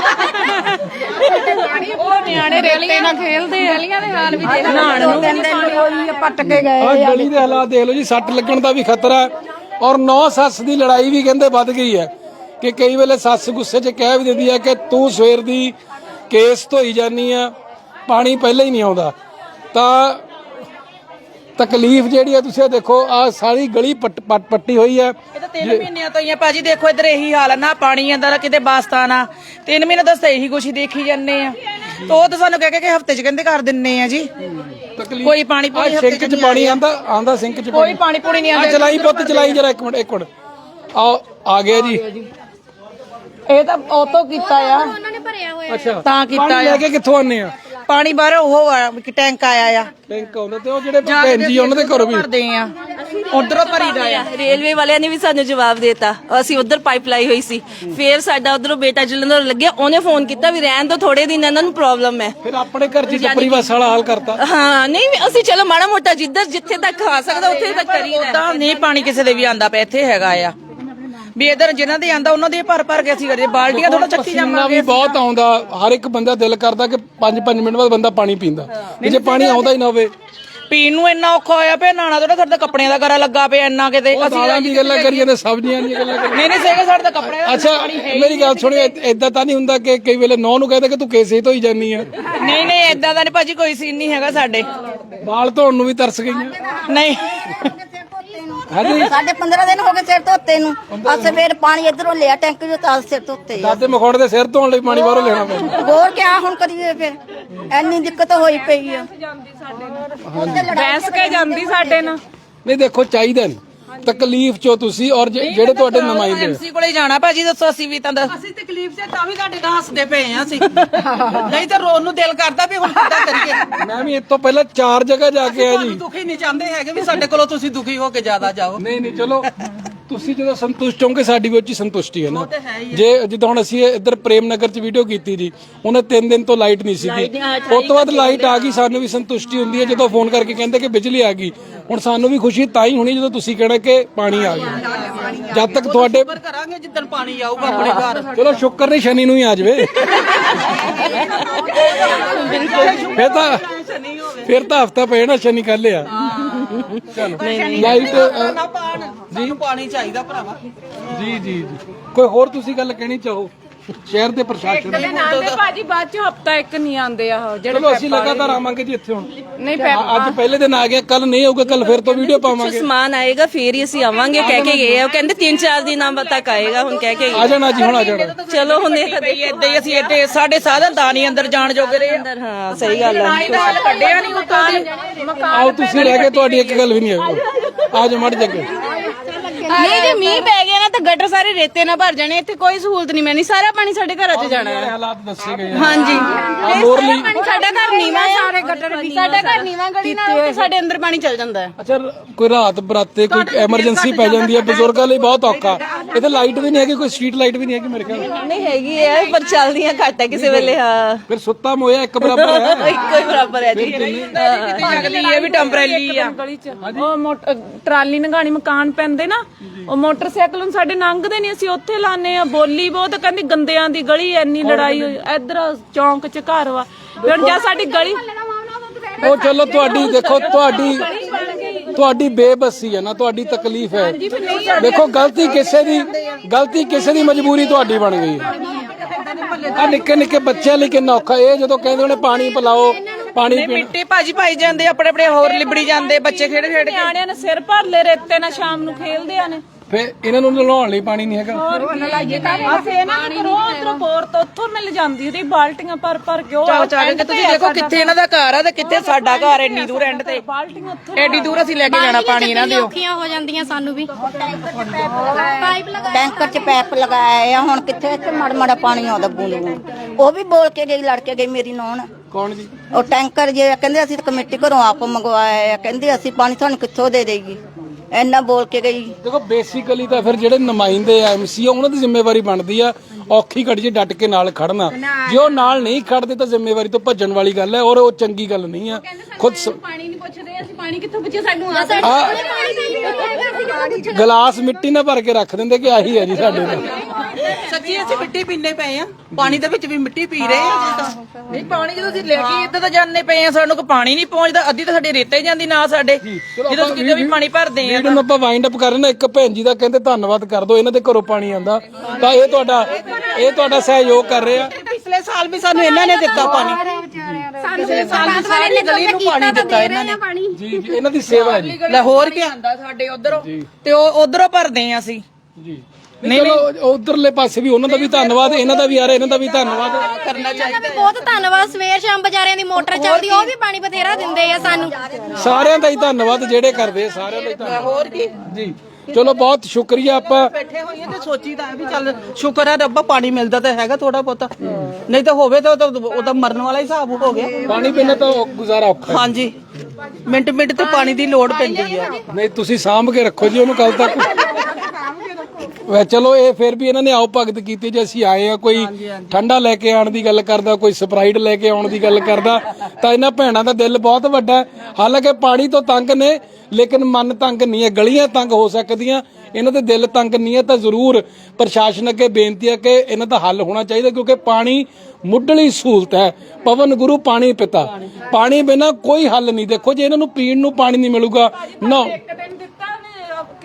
S6: ਉਹ ਨਿਆਣੇ ਰੇਤੇ ਨਾਲ ਖੇਲਦੇ ਆ, ਗਲੀਆਂ ਦੇ ਹਾਲ ਵੀ ਦੇਖ
S4: ਨਾਣ ਨੂੰ ਕਹਿੰਦੇ ਲੋਈ ਪੱਟ ਕੇ ਗਏ।
S1: ਆਹ ਗਲੀ ਦੇ ਹਾਲਾਤ ਦੇਖ ਲਓ ਜੀ, ਸੱਟ ਲੱਗਣ ਦਾ ਵੀ ਖਤਰਾ ਹੈ, ਔਰ ਨੌ ਸੱਸ ਦੀ ਲੜਾਈ ਵੀ ਕਹਿੰਦੇ ਵੱਧ ਗਈ ਹੈ, ਕਿ ਕਈ ਵੇਲੇ ਸੱਸ ਗੁੱਸੇ 'ਚ ਕਹਿ ਵੀ ਦਿੰਦੀ ਹੈ ਕਿ ਤੂੰ ਸਵੇਰ ਦੀ ਕੇਸ ਧੋਈ ਜਾਨੀ ਆ, ਪਾਣੀ ਪਹਿਲਾਂ ਹੀ ਨਹੀਂ ਆਉਂਦਾ। ਤਾਂ ਤਕਲੀਫ ਜਿਹੜੀ ਹੈ, ਤੁਸੀਂ ਦੇਖੋ, ਆ ਸਾਰੀ ਗਲੀ ਪੱਟ ਪੱਟੀ ਹੋਈ ਹੈ।
S7: ਇਹ ਤਾਂ ਤਿੰਨ ਮਹੀਨਿਆਂ ਤੋਂ ਹੀ ਆ ਭਾਜੀ, ਦੇਖੋ ਇੱਧਰ ਇਹੀ ਹਾਲ ਆ, ਨਾ ਪਾਣੀ ਆਂਦਾ ਨਾ ਕਿਤੇ ਬਾਸਤਾਨ ਆ, ਤਿੰਨ ਮਹੀਨੇ ਦੱਸ ਇਹੀ ਕੁਛ ਹੀ ਦੇਖੀ ਜਾਂਦੇ ਆ। ਤਾਂ ਉਹ ਤਾਂ ਸਾਨੂੰ ਕਹਿ ਕੇ ਹਫਤੇ ਚ ਕਹਿੰਦੇ ਕਰ ਦਿੰਨੇ ਆ ਜੀ, ਕੋਈ ਪਾਣੀ ਪੂਣੀ ਹਫਤੇ
S1: ਸਿੰਕ 'ਚ ਪਾਣੀ ਆਂਦਾ ਆਂਦਾ ਸਿੰਕ 'ਚ
S7: ਕੋਈ ਪਾਣੀ ਪੂਣੀ ਨਹੀਂ
S1: ਆ।
S7: ਆਂਦਾ।
S1: ਚਲਾਈ ਪੁੱਤ, ਚਲਾਈ ਜਰਾ, ਇੱਕ ਮਿੰਟ ਇੱਕ ਮਿੰਟ ਆ ਆ ਗਿਆ ਜੀ।
S7: ਇਹ ਤਾਂ ਉਤੋਂ ਕੀਤਾ ਆ,
S3: ਉਹਨਾਂ ਨੇ ਭਰਿਆ ਹੋਇਆ।
S1: ਅੱਛਾ,
S7: ਤਾਂ ਕੀਤਾ
S1: ਪਾਣੀ ਲੈ ਕੇ ਕਿੱਥੋਂ ਆਨੇ ਆ?
S7: ਪਾਣੀ ਬਾਹਰ ਉਹ ਆ, ਟੈਂਕ ਆਇਆ ਆ,
S1: ਟੈਂਕ ਆਉਂਦਾ, ਤੇ ਉਹ ਜਿਹੜੇ ਭੈਣ ਜੀ ਉਹਨਾਂ ਦੇ ਘਰੋਂ ਵੀ
S7: ਭਰਦੇ ਆ, ਉਧਰੋਂ ਭਰੀਦਾ ਆ।
S2: ਰੇਲਵੇ ਵਾਲਿਆਂ ਨੇ ਵੀ ਸਾਨੂੰ ਜਵਾਬ ਦੇਤਾ, ਅਸੀਂ ਉਧਰ ਪਾਈਪ ਲਾਈ ਹੋਈ ਸੀ, ਫਿਰ ਸਾਡਾ ਉਧਰੋਂ ਬੇਟਾ ਜਲੰਧਰ ਲੱਗਿਆ, ਉਹਨੇ ਫੋਨ ਕੀਤਾ ਵੀ ਰਹਿਣ ਦੋ ਥੋੜੇ ਦਿਨ, ਇਹਨਾਂ ਨੂੰ ਪ੍ਰੋਬਲਮ ਹੈ।
S1: ਫਿਰ ਆਪਣੇ ਘਰ 'ਚ ਟੱਪਰੀ ਬੱਸ ਵਾਲਾ ਹਾਲ ਕਰਤਾ।
S2: ਹਾਂ, ਨਹੀਂ ਅਸੀਂ ਚਲੋ ਮਾੜਾ ਮੋਟਾ ਜਿੱਧਰ ਜਿੱਥੇ ਤੱਕ ਖਾ ਸਕਦਾ ਉੱਥੇ ਤੱਕ ਕਰੀਦਾ।
S7: ਉਦਾਂ ਨਹੀਂ ਪਾਣੀ ਕਿਸੇ ਦੇ ਵੀ ਆਂਦਾ ਪਿਆ, ਇੱਥੇ ਹੈਗਾ ਆ ਵੀ ਇਧਰ ਜਿਨ੍ਹਾਂ ਦੇ ਆਂਦਾ ਉਹਨਾਂ ਦੇ ਭਰ ਭਰ ਕੇ ਅਸੀਂ ਕਰੀਏ, ਬਾਲਟੀਆਂ ਥੋੜਾ ਚੱਕੀ
S1: ਪਸੀਨਾ
S7: ਜਾਵਾਂਗੇ।
S1: ਵੀ ਬਹੁਤ ਆਉਂਦਾ, ਹਰ ਇੱਕ ਬੰਦਾ ਦਿਲ ਕਰਦਾ ਕਿ ਪੰਜ ਪੰਜ ਮਿੰਟ ਬਾਅਦ ਬੰਦਾ ਪਾਣੀ ਪੀਂਦਾ, ਜੇ ਪਾਣੀ ਆਉਂਦਾ ਹੀ ਨਾ ਹੋਵੇ।
S7: ਪੀਣ ਨੂੰ ਇੰਨਾ ਔਖਾ ਹੋਇਆ ਪਿਆ, ਨਾਣਾ ਥੋੜਾ ਸਾਡੇ ਕੱਪੜਿਆਂ ਦਾ ਕਰਾ ਲੱਗਾ ਪਿਆ ਇੰਨਾ ਕਿਤੇ।
S1: ਅਸੀਂ ਦਾਲਾਂ ਦੀ ਗੱਲਾਂ ਕਰੀ ਜਾਂਦੇ, ਸਬਜ਼ੀਆਂ ਦੀਆਂ ਗੱਲਾਂ ਕਰੀ।
S7: ਨਹੀਂ ਨਹੀਂ ਸੇਗਾ ਸਾਡੇ ਤਾਂ ਕੱਪੜੇ ਦਾ
S1: ਅੱਛਾ, ਮੇਰੀ ਗੱਲ ਸੁਣਿਓ, ਏਦਾਂ ਤਾਂ ਨਹੀਂ ਹੁੰਦਾ ਕਿ ਕਈ ਵੇਲੇ ਨੌ ਨੂੰ ਕਹਿੰਦੇ ਕਿ ਤੂੰ ਕੇਸੇ ਧੋਈ ਜਾਨੀ ਆ?
S7: ਨਹੀਂ ਨਹੀਂ ਏਦਾਂ ਦਾ ਨਹੀਂ ਭਾਜੀ, ਕੋਈ ਸੀਨ ਨਹੀਂ ਹੈਗਾ ਸਾਡੇ।
S1: ਵਾਲ ਧੋਣ ਨੂੰ ਵੀ ਤਰਸ ਗਈਆਂ।
S7: ਨਹੀਂ
S1: ਹਾਂਜੀ
S8: ਸਾਡੇ ਪੰਦਰਾਂ ਦਿਨ ਹੋ ਗਏ ਸਿਰ ਧੋਤੇ ਨੂੰ ਆ ਸਵੇਰ ਪਾਣੀ ਇਧਰੋਂ ਲਿਆ ਟੈਂਕੀ ਚੋਂ ਤਾਂ ਸਿਰ ਧੋਤੇ ਆ।
S1: ਦਾਦੇ ਮਖੌੜ ਦੇ ਸਿਰ ਧੋਣ ਲਈ ਪਾਣੀ ਬਾਹਰੋਂ ਲੈਣਾ ਪੈਂਦਾ।
S8: ਹੋਰ ਕਿਆ ਹੁਣ ਕਰੀਏ ਫਿਰ ਐਨੀ ਦਿੱਕਤ ਹੋਈ ਪਈ ਆ।
S6: ਬੈਸ ਕੇ ਜਾਂਦੀ ਸਾਡੇ ਨਾਲ।
S1: ਨਹੀਂ ਦੇਖੋ ਚਾਹੀਦਾ ਨਹੀਂ ਤਕਲੀਫ ਚੋਂ ਤੁਸੀਂ ਔਰ ਜੇ- ਜਿਹੜੇ ਤੁਹਾਡੇ ਨੁਮਾਇੰਦੇ ਆ।
S7: ਐਮਸੀ ਕੋਲੇ ਜਾਣਾ ਭਾਜੀ ਦੱਸੋ ਅਸੀਂ ਵੀ ਤਾਂ ਅਸੀਂ ਤਕਲੀਫ ਸੇ ਤਾਂ ਵੀ ਤੁਹਾਡੇ ਨਾਲ ਹੱਸਦੇ ਪਏ ਆ ਅਸੀਂ ਨਹੀਂ ਤਾਂ ਰੋਣ ਨੂੰ ਦਿਲ ਕਰਦਾ ਵੀ ਹੁਣ ਕਿੱਦਾਂ ਕਰੀਏ।
S1: ਮੈਂ ਵੀ ਇਸ ਤੋਂ ਪਹਿਲਾਂ ਚਾਰ ਜਗ੍ਹਾ ਜਾ ਕੇ ਆਇਆ ਜੀ।
S7: ਦੁਖੀ ਨਹੀਂ ਚਾਹੁੰਦੇ ਹੈਗੇ ਵੀ ਸਾਡੇ ਕੋਲੋਂ ਤੁਸੀਂ ਦੁਖੀ ਹੋ ਕੇ ਜ਼ਿਆਦਾ ਜਾਓ।
S1: ਨਹੀਂ ਨਹੀਂ ਚਲੋ ਤੁਸੀਂ ਜਦੋਂ ਸੰਤੁਸ਼ਟ ਹੋਗੇ ਸਾਡੀ ਵੀ ਉਹ 'ਚ ਹੀ ਸੰਤੁਸ਼ਟੀ ਹੈ ਨਾ। ਜੇ ਜਿੱਦਾਂ ਹੁਣ ਅਸੀਂ ਇੱਧਰ ਪ੍ਰੇਮ ਨਗਰ 'ਚ ਵੀਡੀਓ ਕੀਤੀ ਜੀ ਉਹਨੇ ਤਿੰਨ ਦਿਨ ਤੋਂ ਲਾਈਟ ਨਹੀਂ ਸੀਗੀ ਉਸ ਤੋਂ ਬਾਅਦ ਲਾਈਟ ਆ ਗਈ ਸਾਨੂੰ ਵੀ ਸੰਤੁਸ਼ਟੀ ਹੁੰਦੀ ਹੈ ਜਦੋਂ ਫੋਨ ਕਰਕੇ ਕਹਿੰਦੇ ਕਿ ਬਿਜਲੀ ਆ ਗਈ। ਹੁਣ ਸਾਨੂੰ ਵੀ ਖੁਸ਼ੀ ਤਾਂ ਹੀ ਹੋਣੀ ਜਦੋਂ ਤੁਸੀਂ ਕਹਿਣਾ ਕਿ ਪਾਣੀ ਆ ਗਿਆ। ਜਦ ਤੱਕ ਤੁਹਾਡੇ
S7: ਪਰ ਕਰਾਂਗੇ ਜਿੱਦਣ ਪਾਣੀ ਆਊਗਾ ਆਪਣੇ ਘਰ।
S1: ਚਲੋ ਸ਼ੁਕਰ ਨਹੀਂ ਸ਼ਨੀ ਨੂੰ ਹੀ ਆ ਜਾਵੇ ਫਿਰ ਤਾਂ ਫਿਰ ਤਾਂ ਹਫਤਾ ਪਏ ਨਾ ਸ਼ਨੀ ਕੱਲ ਆ। ਚਲੋ ਲਾਈਟ
S7: ਨਾ ਪਾਣ ਸਾਨੂੰ ਪਾਣੀ ਚਾਹੀਦਾ ਭਰਾਵਾ।
S1: ਜੀ ਜੀ ਜੀ ਕੋਈ ਹੋਰ ਤੁਸੀਂ ਗੱਲ ਕਹਿਣੀ ਚਾਹੋ ਸ਼ਹਿਰ ਦੇ ਪ੍ਰਸ਼ਾਸਨ ਨੂੰ?
S6: ਆਂਦੇ ਭਾਜੀ ਬਾਅਦ ਚ ਹਫਤਾ ਇੱਕ ਨਹੀਂ ਆਉਂਦੇ ਆ ਉਹ ਜਿਹੜੇ
S1: ਚਲੋ ਅਸੀਂ ਲਗਾਤਾਰ ਆਵਾਂਗੇ ਜੀ ਇੱਥੇ ਹੁਣ।
S6: ਨਹੀਂ ਪੈਪ
S1: ਅੱਜ ਪਹਿਲੇ ਦਿਨ ਆ ਗਿਆ ਕੱਲ ਨਹੀਂ ਆਊਗਾ ਕੱਲ ਫਿਰ ਤੋਂ ਵੀਡੀਓ ਪਾਵਾਂਗੇ।
S2: ਸਮਾਨ ਆਏਗਾ ਫੇਰ ਹੀ ਅਸੀਂ ਆਵਾਂਗੇ ਕਹਿ ਕੇ ਗਏ ਆ। ਉਹ ਕਹਿੰਦੇ ਤਿੰਨ ਚਾਰ ਦਿਨਾਂ ਬਾਅਦ ਤੱਕ ਆਏਗਾ ਹੁਣ ਕਹਿ ਕੇ
S1: ਆ ਜਾਣਾ ਜੀ ਹੁਣ ਆ ਜਾਣਾ।
S2: ਚਲੋ ਹੁਣ ਦੇਖਦੇ
S7: ਏਦਾਂ ਹੀ ਅਸੀਂ ਏਦਾਂ ਸਾਡੇ ਸਾਧਨ ਤਾਂ ਨਹੀਂ ਅੰਦਰ ਜਾਣ ਜੋਗੇ ਰਹੇ।
S2: ਅੰਦਰ। ਹਾਂ ਸਹੀ ਗੱਲ ਹੈ।
S7: ਕੱਢਿਆ ਨਹੀਂ ਉੱਤੋਂ ਦੀ।
S1: ਆਓ ਤੁਸੀਂ ਰਹਿ ਗਏ ਤੁਹਾਡੀ ਇੱਕ ਗੱਲ ਵੀ ਨਹੀਂ ਆਊਗੀ। ਆ ਜਾ ਮੜ ਜੱਗੇ
S9: ਨਹੀਂ ਜੇ ਮੀਂਹ ਪੈ ਗਿਆ ਨਾ ਤਾਂ ਗਟਰ ਸਾਰੇ ਰੇਤੇ ਨਾਲ ਭਰ ਜਾਣੇ। ਇੱਥੇ ਕੋਈ ਸਹੂਲਤ ਨਹੀਂ ਮਿਲਣੀ। ਸਾਰਾ ਪਾਣੀ ਸਾਡੇ ਘਰਾਂ 'ਚ ਜਾਣਾ ਹੈ।
S1: ਹਾਲਾਤ ਦੱਸੇ ਗਏ
S9: ਹਾਂਜੀ
S1: ਆ ਮੋਰਲੀ।
S9: ਪਾਣੀ ਸਾਡਾ ਘਰ ਨੀਵਾਂ ਆ। ਸਾਰੇ ਗਟਰ ਵੀ ਸਾਡਾ ਘਰ ਨੀਵਾਂ ਗਲੀ ਨਾਲ ਤੇ ਸਾਡੇ ਅੰਦਰ ਪਾਣੀ ਚੱਲ ਜਾਂਦਾ ਹੈ।
S1: ਅੱਛਾ ਕੋਈ ਰਾਤ ਬਰਾਤੇ ਕੋਈ ਐਮਰਜੈਂਸੀ ਪੈ ਜਾਂਦੀ ਹੈ ਬਜ਼ੁਰਗਾਂ ਲਈ ਬਹੁਤ ਔਖਾ। ਇੱਥੇ ਲਾਈਟ ਵੀ ਨਹੀਂ ਹੈਗੀ ਕੋਈ ਸਟਰੀਟ ਲਾਈਟ ਵੀ ਨਹੀਂ ਹੈਗੀ ਮੇਰੇ ਖਿਆਲ।
S2: ਨਹੀਂ ਹੈਗੀ ਹੈ ਪਰ ਚੱਲਦੀਆਂ ਘੱਟ ਹੈ ਕਿਸੇ ਵੇਲੇ। ਹਾਂ
S1: ਫਿਰ ਸੁੱਤਾ ਮੋਇਆ ਇੱਕ ਬਰਾਬਰ ਹੈ।
S2: ਇੱਕੋ ਹੀ ਬਰਾਬਰ ਹੈ ਜੀ।
S7: ਜਗਦੀ ਇਹ ਵੀ ਟੈਂਪਰੇਰੀ ਆ।
S6: ਗਲੀ ਚ ਉਹ ਮੋਟਰ ਟਰਾਲੀ ਨਗਾਣੀ ਮਕਾਨ ਪੈਂਦੇ ਨਾ ਉਹ ਮੋਟਰਸਾਈਕਲ ਹੁਣ ਸਾਡੇ ਲੰਘਦੇ ਨਹੀਂ। ਅਸੀਂ ਉੱਥੇ ਲਾਣੇ ਆ। ਬੋਲੀ ਬਹੁਤ ਕਹਿੰਦੀ ਗੰਦਿਆਂ ਦੀ ਗਲੀ ਐਨੀ ਲੜਾਈ ਹੋਈ। ਇੱਧਰ ਚੌਂਕ ਚ ਘਰ ਵਾ ਫਿਰ ਜਾਂ ਸਾਡੀ ਗਲੀ
S1: ਉਹ ਚਲੋ ਤੁਹਾਡੀ ਦੇਖੋ ਤੁਹਾਡੀ ਤੁਹਾਡੀ ਬੇਬਸੀ ਹੈ ਨਾ ਤੁਹਾਡੀ ਤਕਲੀਫ ਹੈ। ਦੇਖੋ ਗਲਤੀ ਕਿਸੇ ਦੀ ਗਲਤੀ ਕਿਸੇ ਦੀ ਮਜਬੂਰੀ ਤੁਹਾਡੀ ਬਣ ਗਈ ਹੈ। ਆ ਨਿੱਕੇ ਨਿੱਕੇ ਬੱਚਿਆਂ ਲਈ ਕਿੰਨਾ ਔਖਾ ਇਹ ਜਦੋਂ ਕਹਿੰਦੇ ਉਹਨੇ ਪਾਣੀ ਪਿਲਾਓ ਪਾਣੀ ਪੀਣਾ।
S7: ਮਿੱਟੀ ਭਾਜੀ ਪਾਈ ਜਾਂਦੇ ਆਪਣੇ ਆਪਣੇ ਹੋਰ ਲਿਬੜੀ ਜਾਂਦੇ ਬੱਚੇ ਖੇਡ ਖੇਡ ਕੇ।
S6: ਨਿਆਣਿਆਂ ਨੇ ਸਿਰ ਭਰ ਲੈ ਰੇਤੇ ਨਾਲ ਸ਼ਾਮ ਨੂੰ ਖੇਲਦੇ ਆ ਨੇ।
S1: ਫਿਰ ਇਹਨਾਂ ਨੂੰ ਨਲਾਉਣ ਲਈ ਪਾਣੀ ਨਹੀਂ ਹੈਗਾ।
S6: ਅਸੀਂ ਇਹਨਾਂ ਨੂੰ ਕਰੋ ਉਧਰੋਂ ਬੋਰ ਤੋਂ ਉੱਥੋਂ ਮਿਲ ਜਾਂਦੀ ਉਹਦੀ ਬਾਲਟੀਆਂ ਭਰ ਭਰ ਕੇ ਉਹ
S7: ਚਾਹ ਚਾਹ ਕੇ ਤੁਸੀਂ ਦੇਖੋ ਕਿੱਥੇ ਇਹਨਾਂ ਦਾ ਘਰ ਆ ਤੇ ਕਿੱਥੇ ਸਾਡਾ ਘਰ ਐਡੀ ਦੂਰ ਐਂਡ ਤੇ।
S6: ਬਾਲਟੀਆਂ ਉੱਥੋਂ
S7: ਐਡੀ ਦੂਰ ਅਸੀਂ ਲੈ ਕੇ ਜਾਣਾ ਪਾਣੀ ਇਹਨਾਂ ਦੇ।
S9: ਔਖੀਆਂ ਹੋ ਜਾਂਦੀਆਂ ਸਾਨੂੰ ਵੀ। ਪਾਈਪ ਲਗਾ
S8: ਟੈਂਕਰ 'ਚ ਪੈਪ ਲਗਾਇਆ ਆ ਹੁਣ ਕਿੱਥੇ ਇੱਥੇ ਮੜ ਮੜਾ ਪਾਣੀ ਆਉਂਦਾ ਬੂੰਦ ਬੂੰਦ। ਉਹ ਵੀ ਬੋਲ ਕੇ ਗਈ ਲੜ ਕੇ ਗਈ ਮੇਰੀ ਨੌਣ।
S1: ਕੌਣ ਜੀ?
S8: ਉਹ ਟੈਂਕਰ ਜੇ ਕਹਿੰਦੇ ਅਸੀਂ ਤਾਂ ਕਮੇਟੀ ਘਰੋਂ ਆਪ ਮੰਗਵਾਇਆ ਆ ਕਹਿੰਦੇ ਅਸੀਂ ਪਾਣੀ ਤੁਹਾਨੂੰ ਕਿੱਥੋਂ ਦੇ ਦੇਗੀ ਇੰਨਾ ਬੋਲ ਕੇ ਗਈ।
S1: ਦੇਖੋ ਬੇਸਿਕਲੀ ਤਾਂ ਫਿਰ ਜਿਹੜੇ ਨੁਮਾਇੰਦੇ ਆ ਐਮਸੀ ਆ ਉਹਨਾਂ ਦੀ ਜ਼ਿੰਮੇਵਾਰੀ ਬਣਦੀ ਆ ਔਖੀ ਘੜੀ 'ਚ ਡਟ ਕੇ ਨਾਲ ਖੜਨਾ। ਜੇ ਉਹ ਨਾਲ ਨਹੀਂ ਖੜਦੇ ਤਾਂ ਜ਼ਿੰਮੇਵਾਰੀ ਤੋਂ ਭੱਜਣ ਵਾਲੀ ਗੱਲ ਹੈ ਔਰ ਉਹ ਚੰਗੀ ਗੱਲ ਨਹੀਂ ਆ। ਖੁਦ
S9: ਪਾਣੀ ਨਹੀਂ ਪੁੱਛਦੇ ਅਸੀਂ ਪਾਣੀ ਕਿੱਥੋਂ ਪੁੱਛੇ ਸਾਨੂੰ ਆ
S1: ਗਲਾਸ ਮਿੱਟੀ ਨਾਲ ਭਰ ਕੇ ਰੱਖ ਦਿੰਦੇ ਕਿ ਆਹੀ ਹੈ ਜੀ ਸਾਡੇ ਨਾਲ।
S7: ਸੱਚੀ ਅਸੀਂ ਮਿੱਟੀ ਪੀਂਦੇ ਪਏ ਆ। ਪਾਣੀ ਦੇ ਵਿੱਚ ਵੀ ਮਿੱਟੀ ਪੀ ਰਹੇ ਆ। ਨਹੀਂ ਪਾਣੀ ਜਦੋਂ ਅਸੀਂ ਲੈ ਕੇ ਇੱਧਰ ਤਾਂ ਜਾਂਦੇ ਪਏ ਆ ਸਾਨੂੰ ਕੋਈ ਪਾਣੀ ਨਹੀਂ ਪਹੁੰਚਦਾ। ਅੱਧੀ ਤਾਂ ਸਾਡੇ ਰੇਤੇ ਜਾਂਦੀ ਨਾ ਸਾਡੇ ਜਦੋਂ ਅਸੀਂ ਕਿਤੇ ਵੀ ਪਾਣੀ ਭਰਦੇ ਆ।
S1: ਵੀਡੀਓ ਨੂੰ ਆਪਾਂ ਵਾਈਂਡ ਅਪ ਕਰ ਰਹੇ ਨਾ। ਇੱਕ ਭੈਣ ਜੀ ਦਾ ਕਹਿੰਦੇ ਧੰਨਵਾਦ ਕਰ ਦਿਓ ਇਹਨਾਂ ਦੇ ਘਰੋਂ ਪਾਣੀ ਆਂਦਾ ਤਾਂ ਇਹ ਤੁਹਾਡਾ ਇਹ ਤੁਹਾਡਾ ਸਹਿਯੋਗ ਕਰ ਰਹੇ ਆ।
S7: ਪਿਛਲੇ ਸਾਲ ਵੀ ਸਾਨੂੰ ਇਹਨਾਂ ਨੇ ਦਿੱਤਾ ਪਾਣੀ। ਪਿਛਲੇ ਸਾਲ ਵੀ ਸਾਰੀ ਗਲੀ ਨੂੰ ਪਾਣੀ ਦਿੱਤਾ ਇਹਨਾਂ ਨੇ।
S1: ਜੀ ਜੀ ਇਹਨਾਂ ਦੀ ਸੇਵਾ ਹੈ ਜੀ।
S7: ਲਾਹੌਰ ਕੀ ਆਂਦਾ ਸਾਡੇ ਉਧਰੋਂ ਤੇ ਉਹ ਉਧਰੋਂ ਭਰਦੇ ਆ ਅਸੀਂ।
S1: ਜੀ ਨਹੀਂ ਚਲੋ ਉਧਰਲੇ ਪਾਸੇ ਵੀ ਉਹਨਾਂ ਦਾ ਵੀ ਧੰਨਵਾਦ ਇਹਨਾਂ ਦਾ ਵੀ ਆ ਰਿਹਾ ਇਹਨਾਂ ਦਾ ਵੀ ਧੰਨਵਾਦ
S7: ਕਰਨਾ ਚਾਹੀਦਾ।
S9: ਬਹੁਤ ਧੰਨਵਾਦ। ਸਵੇਰ ਸ਼ਾਮ ਬਾਜ਼ਾਰਿਆਂ ਦੀ ਮੋਟਰ ਚੱਲਦੀ ਉਹ ਵੀ ਪਾਣੀ ਬਥੇਰਾ ਦਿੰਦੇ ਆ ਸਾਨੂੰ।
S1: ਸਾਰਿਆਂ ਦਾ ਹੀ ਧੰਨਵਾਦ ਜਿਹੜੇ ਕਰਦੇ ਆ ਸਾਰਿਆਂ ਦਾ ਹੀ ਧੰਨਵਾਦ।
S7: ਹੋਰ ਕੀ
S1: ਜੀ ਚਲੋ ਬਹੁਤ ਸ਼ੁਕਰੀਆ। ਆਪਾਂ
S7: ਬੈਠੇ ਹੋਈਏ ਤੇ ਸੋਚੀਦਾ ਵੀ ਚੱਲ ਸ਼ੁਕਰ ਹੈ ਰੱਬਾ ਪਾਣੀ ਮਿਲਦਾ ਤਾਂ ਹੈਗਾ ਥੋੜਾ ਬਹੁਤਾ। ਨਹੀਂ ਤਾਂ ਹੋਵੇ ਤਾਂ ਉਹ ਤਾਂ ਮਰਨ ਵਾਲਾ ਹਿਸਾਬ ਹੋ ਗਿਆ।
S1: ਪਾਣੀ ਪੀਣਾ ਤਾਂ ਗੁਜ਼ਾਰਾ ਔਖਾ ਹੈ।
S7: ਹਾਂਜੀ ਮਿੰਟ ਮਿੰਟ ਤੇ ਪਾਣੀ ਦੀ ਲੋੜ ਪੈਂਦੀ ਆ।
S1: ਨਹੀਂ ਤੁਸੀਂ ਸਾਂਭ ਕੇ ਰੱਖੋ ਜੀ ਉਹਨੂੰ ਕੱਲ ਤੱਕ। ਵੈ ਚਲੋ ਇਹ ਫਿਰ ਵੀ ਇਹਨਾਂ ਨੇ ਆਓ ਭਗਤ ਕੀਤੀ ਜੇ ਅਸੀਂ ਆਏ ਆ ਕੋਈ ਠੰਡਾ ਲੈ ਕੇ ਆਉਣ ਦੀ ਗੱਲ ਕਰਦਾ ਕੋਈ ਸਪਰਾਈਟ ਲੈ ਕੇ ਆਉਣ ਦੀ ਗੱਲ ਕਰਦਾ ਤਾਂ ਇਹਨਾਂ ਭੈਣਾਂ ਦਾ ਦਿਲ ਬਹੁਤ ਵੱਡਾ ਹੈ। ਹਾਲਾਂਕਿ ਪਾਣੀ ਤੋਂ ਤੰਗ ਨੇ ਲੇਕਿਨ ਮਨ ਤੰਗ ਨਹੀਂ ਹੈ। ਗਲੀਆਂ ਤੰਗ ਹੋ ਸਕਦੀਆਂ ਇਹਨਾਂ ਦੇ ਦਿਲ ਤੰਗ ਨਹੀਂ ਹੈ ਤਾਂ ਜ਼ਰੂਰ ਪ੍ਰਸ਼ਾਸਨ ਅੱਗੇ ਬੇਨਤੀ ਹੈ ਕਿ ਇਹਨਾਂ ਦਾ ਹੱਲ ਹੋਣਾ ਚਾਹੀਦਾ ਕਿਉਂਕਿ ਪਾਣੀ ਮੁੱਢਲੀ ਸਹੂਲਤ ਹੈ। ਪਵਨ ਗੁਰੂ ਪਾਣੀ ਪਿਤਾ ਪਾਣੀ ਬਿਨਾਂ ਕੋਈ ਹੱਲ ਨਹੀਂ। ਦੇਖੋ ਜੇ ਇਹਨਾਂ ਨੂੰ ਪੀਣ ਨੂੰ ਪਾਣੀ ਨਹੀਂ ਮਿਲੂਗਾ ਨਾ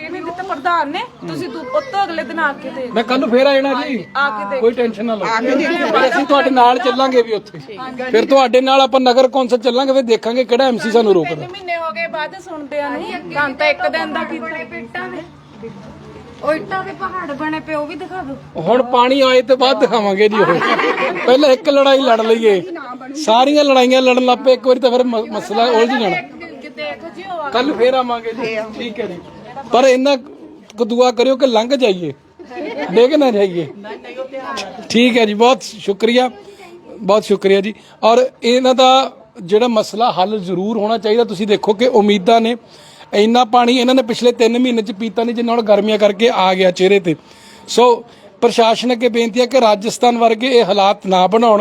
S6: ਕੇ ਨਹੀਂ ਦਿੱਤਾ ਪ੍ਰਧਾਨ ਨੇ, ਤੁਸੀਂ ਦੂ- ਉੱਤੋਂ ਅਗਲੇ ਦਿਨ ਆ ਕੇ ਦੇ
S1: ਮੈਂ ਕੱਲ ਨੂੰ ਫੇਰ ਆ ਜਾਣਾ ਜੀ,
S6: ਆ ਕੇ ਦੇ
S1: ਕੋਈ ਟੈਨਸ਼ਨ ਨਾ ਲਓ, ਫਿਰ ਅਸੀਂ ਤੁਹਾਡੇ ਨਾਲ ਚੱਲਾਂਗੇ ਵੀ ਉੱਥੇ, ਫਿਰ ਤੁਹਾਡੇ ਨਾਲ ਆਪਾਂ ਨਗਰ ਕੌਂਸਲ ਚੱਲਾਂਗੇ, ਫਿਰ ਦੇਖਾਂਗੇ ਕਿਹੜਾ ਐਮਸੀ ਸਾਨੂੰ ਰੋਕਦਾ।
S6: ਤਿੰਨ ਮਹੀਨੇ ਹੋ ਗਏ ਬਾਅਦ ਸੁਣਦੇ ਆ ਨੂੰ, ਤਾਂ ਤਾਂ ਇੱਕ ਦਿਨ ਦਾ ਕੀਤਾ।
S3: ਉਹ ਇੱਟਾਂ ਦੇ ਪਹਾੜ ਬਣੇ ਪਏ ਉਹ ਵੀ ਦਿਖਾ ਦਿਓ।
S1: ਹੁਣ ਪਾਣੀ ਆਏ ਤੇ ਬਾਅਦ ਦਿਖਾਵਾਂਗੇ ਜੀ, ਉਹ ਪਹਿਲਾਂ ਇੱਕ ਲੜਾਈ ਲੜ ਲਈਏ, ਸਾਰੀਆਂ ਲੜਾਈਆਂ ਲੜਨ ਲੱਗ ਪਏ ਇੱਕ ਵਾਰੀ ਤਾਂ ਫਿਰ ਮ- ਮਸਲਾ ਉਲਝ ਜਾਣਾ। ਕੱਲ ਫੇਰ ਆਵਾਂਗੇ ਜੀ, ਠੀਕ ਹੈ ਜੀ, ਪਰ ਇੰਨਾ ਕੁ ਦੁਆ ਕਰਿਓ ਕਿ ਲੰਘ ਜਾਈਏ, ਡਿੱਗ ਨਾ ਜਾਈਏ। ਠੀਕ ਹੈ ਜੀ, ਬਹੁਤ ਸ਼ੁਕਰੀਆ, ਬਹੁਤ ਸ਼ੁਕਰੀਆ ਜੀ। ਔਰ ਇਹਨਾਂ ਦਾ ਜਿਹੜਾ ਮਸਲਾ ਹੱਲ ਜ਼ਰੂਰ ਹੋਣਾ ਚਾਹੀਦਾ। ਤੁਸੀਂ ਦੇਖੋ ਕਿ ਉਮੀਦਾਂ ਨੇ, ਇੰਨਾ ਪਾਣੀ ਇਹਨਾਂ ਨੇ ਪਿਛਲੇ ਤਿੰਨ ਮਹੀਨੇ ਚ ਪੀਤਾ ਨਹੀਂ ਜਿੰਨਾ ਹੁਣ ਗਰਮੀਆਂ ਕਰਕੇ ਆ ਗਿਆ ਚਿਹਰੇ ਤੇ। ਸੋ ਪ੍ਰਸ਼ਾਸਨ ਅੱਗੇ ਬੇਨਤੀ ਹੈ ਕਿ ਰਾਜਸਥਾਨ ਵਰਗੇ ਇਹ ਹਾਲਾਤ ਨਾ ਬਣਾਉਣ।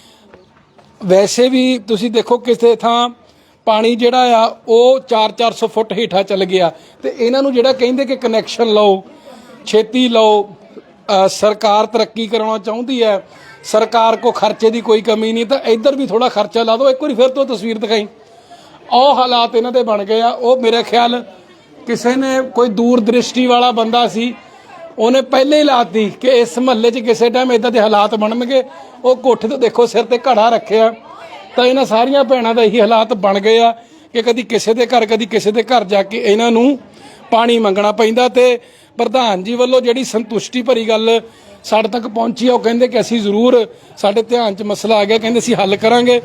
S1: ਵੈਸੇ ਵੀ ਤੁਸੀਂ ਦੇਖੋ ਕਿਸੇ ਥਾਂ ਪਾਣੀ ਜਿਹੜਾ ਆ ਉਹ ਚਾਰ ਚਾਰ ਸੌ ਫੁੱਟ ਹੇਠਾਂ ਚੱਲ ਗਿਆ, ਤੇ ਇਹਨਾਂ ਨੂੰ ਜਿਹੜਾ ਕਹਿੰਦੇ ਕਿ ਕਨੈਕਸ਼ਨ ਲਓ, ਛੇਤੀ ਲਓ, ਅ, ਸਰਕਾਰ ਤਰੱਕੀ ਕਰਾਉਣਾ ਚਾਹੁੰਦੀ ਹੈ, ਸਰਕਾਰ ਕੋ ਖਰਚੇ ਦੀ ਕੋਈ ਕਮੀ ਨਹੀਂ, ਤਾਂ ਇੱਧਰ ਵੀ ਥੋੜਾ ਖਰਚਾ ਲਾ ਦਿਓ। ਇੱਕ ਵਾਰੀ ਫਿਰ ਤੋਂ ਤਸਵੀਰ ਦਿਖਾਈ, ਉਹ ਹਾਲਾਤ ਇਹਨਾਂ ਦੇ ਬਣ ਗਏ ਆ। ਉਹ ਮੇਰੇ ਖਿਆਲ ਕਿਸੇ ਨੇ, ਕੋਈ ਦੂਰ ਦ੍ਰਿਸ਼ਟੀ ਵਾਲਾ ਬੰਦਾ ਸੀ, ਉਹਨੇ ਪਹਿਲੇ ਹੀ ਲਾਤੀ ਕਿ ਇਸ ਮਹੱਲੇ 'ਚ ਕਿਸੇ ਟਾਈਮ ਇਦਾਂ ਦੇ ਹਾਲਾਤ ਬਣਨਗੇ। ਉਹ ਕੋਠੇ ਤੋਂ ਦੇਖੋ ਸਿਰ ਤੇ ਘੜਾ ਰੱਖਿਆ, ਤਾਂ ਇਹਨਾਂ ਸਾਰੀਆਂ ਭੈਣਾਂ ਦਾ ਇਹੀ ਹਾਲਾਤ ਬਣ ਗਏ ਆ ਕਿ ਕਦੀ ਕਿਸੇ ਦੇ ਘਰ ਕਦੀ ਕਿਸੇ ਦੇ ਘਰ ਜਾ ਕੇ ਇਹਨਾਂ ਨੂੰ ਪਾਣੀ ਮੰਗਣਾ ਪੈਂਦਾ। ਤੇ ਪ੍ਰਧਾਨ ਜੀ ਵੱਲੋਂ ਜਿਹੜੀ ਸੰਤੁਸ਼ਟੀ ਭਰੀ ਗੱਲ ਸਾਡੇ ਤੱਕ ਪਹੁੰਚੀ ਆ, ਉਹ ਕਹਿੰਦੇ ਕਿ ਅਸੀਂ ਜ਼ਰੂਰ, ਸਾਡੇ ਧਿਆਨ 'ਚ ਮਸਲਾ ਆ ਗਿਆ, ਕਹਿੰਦੇ ਅਸੀਂ ਹੱਲ ਕਰਾਂਗੇ।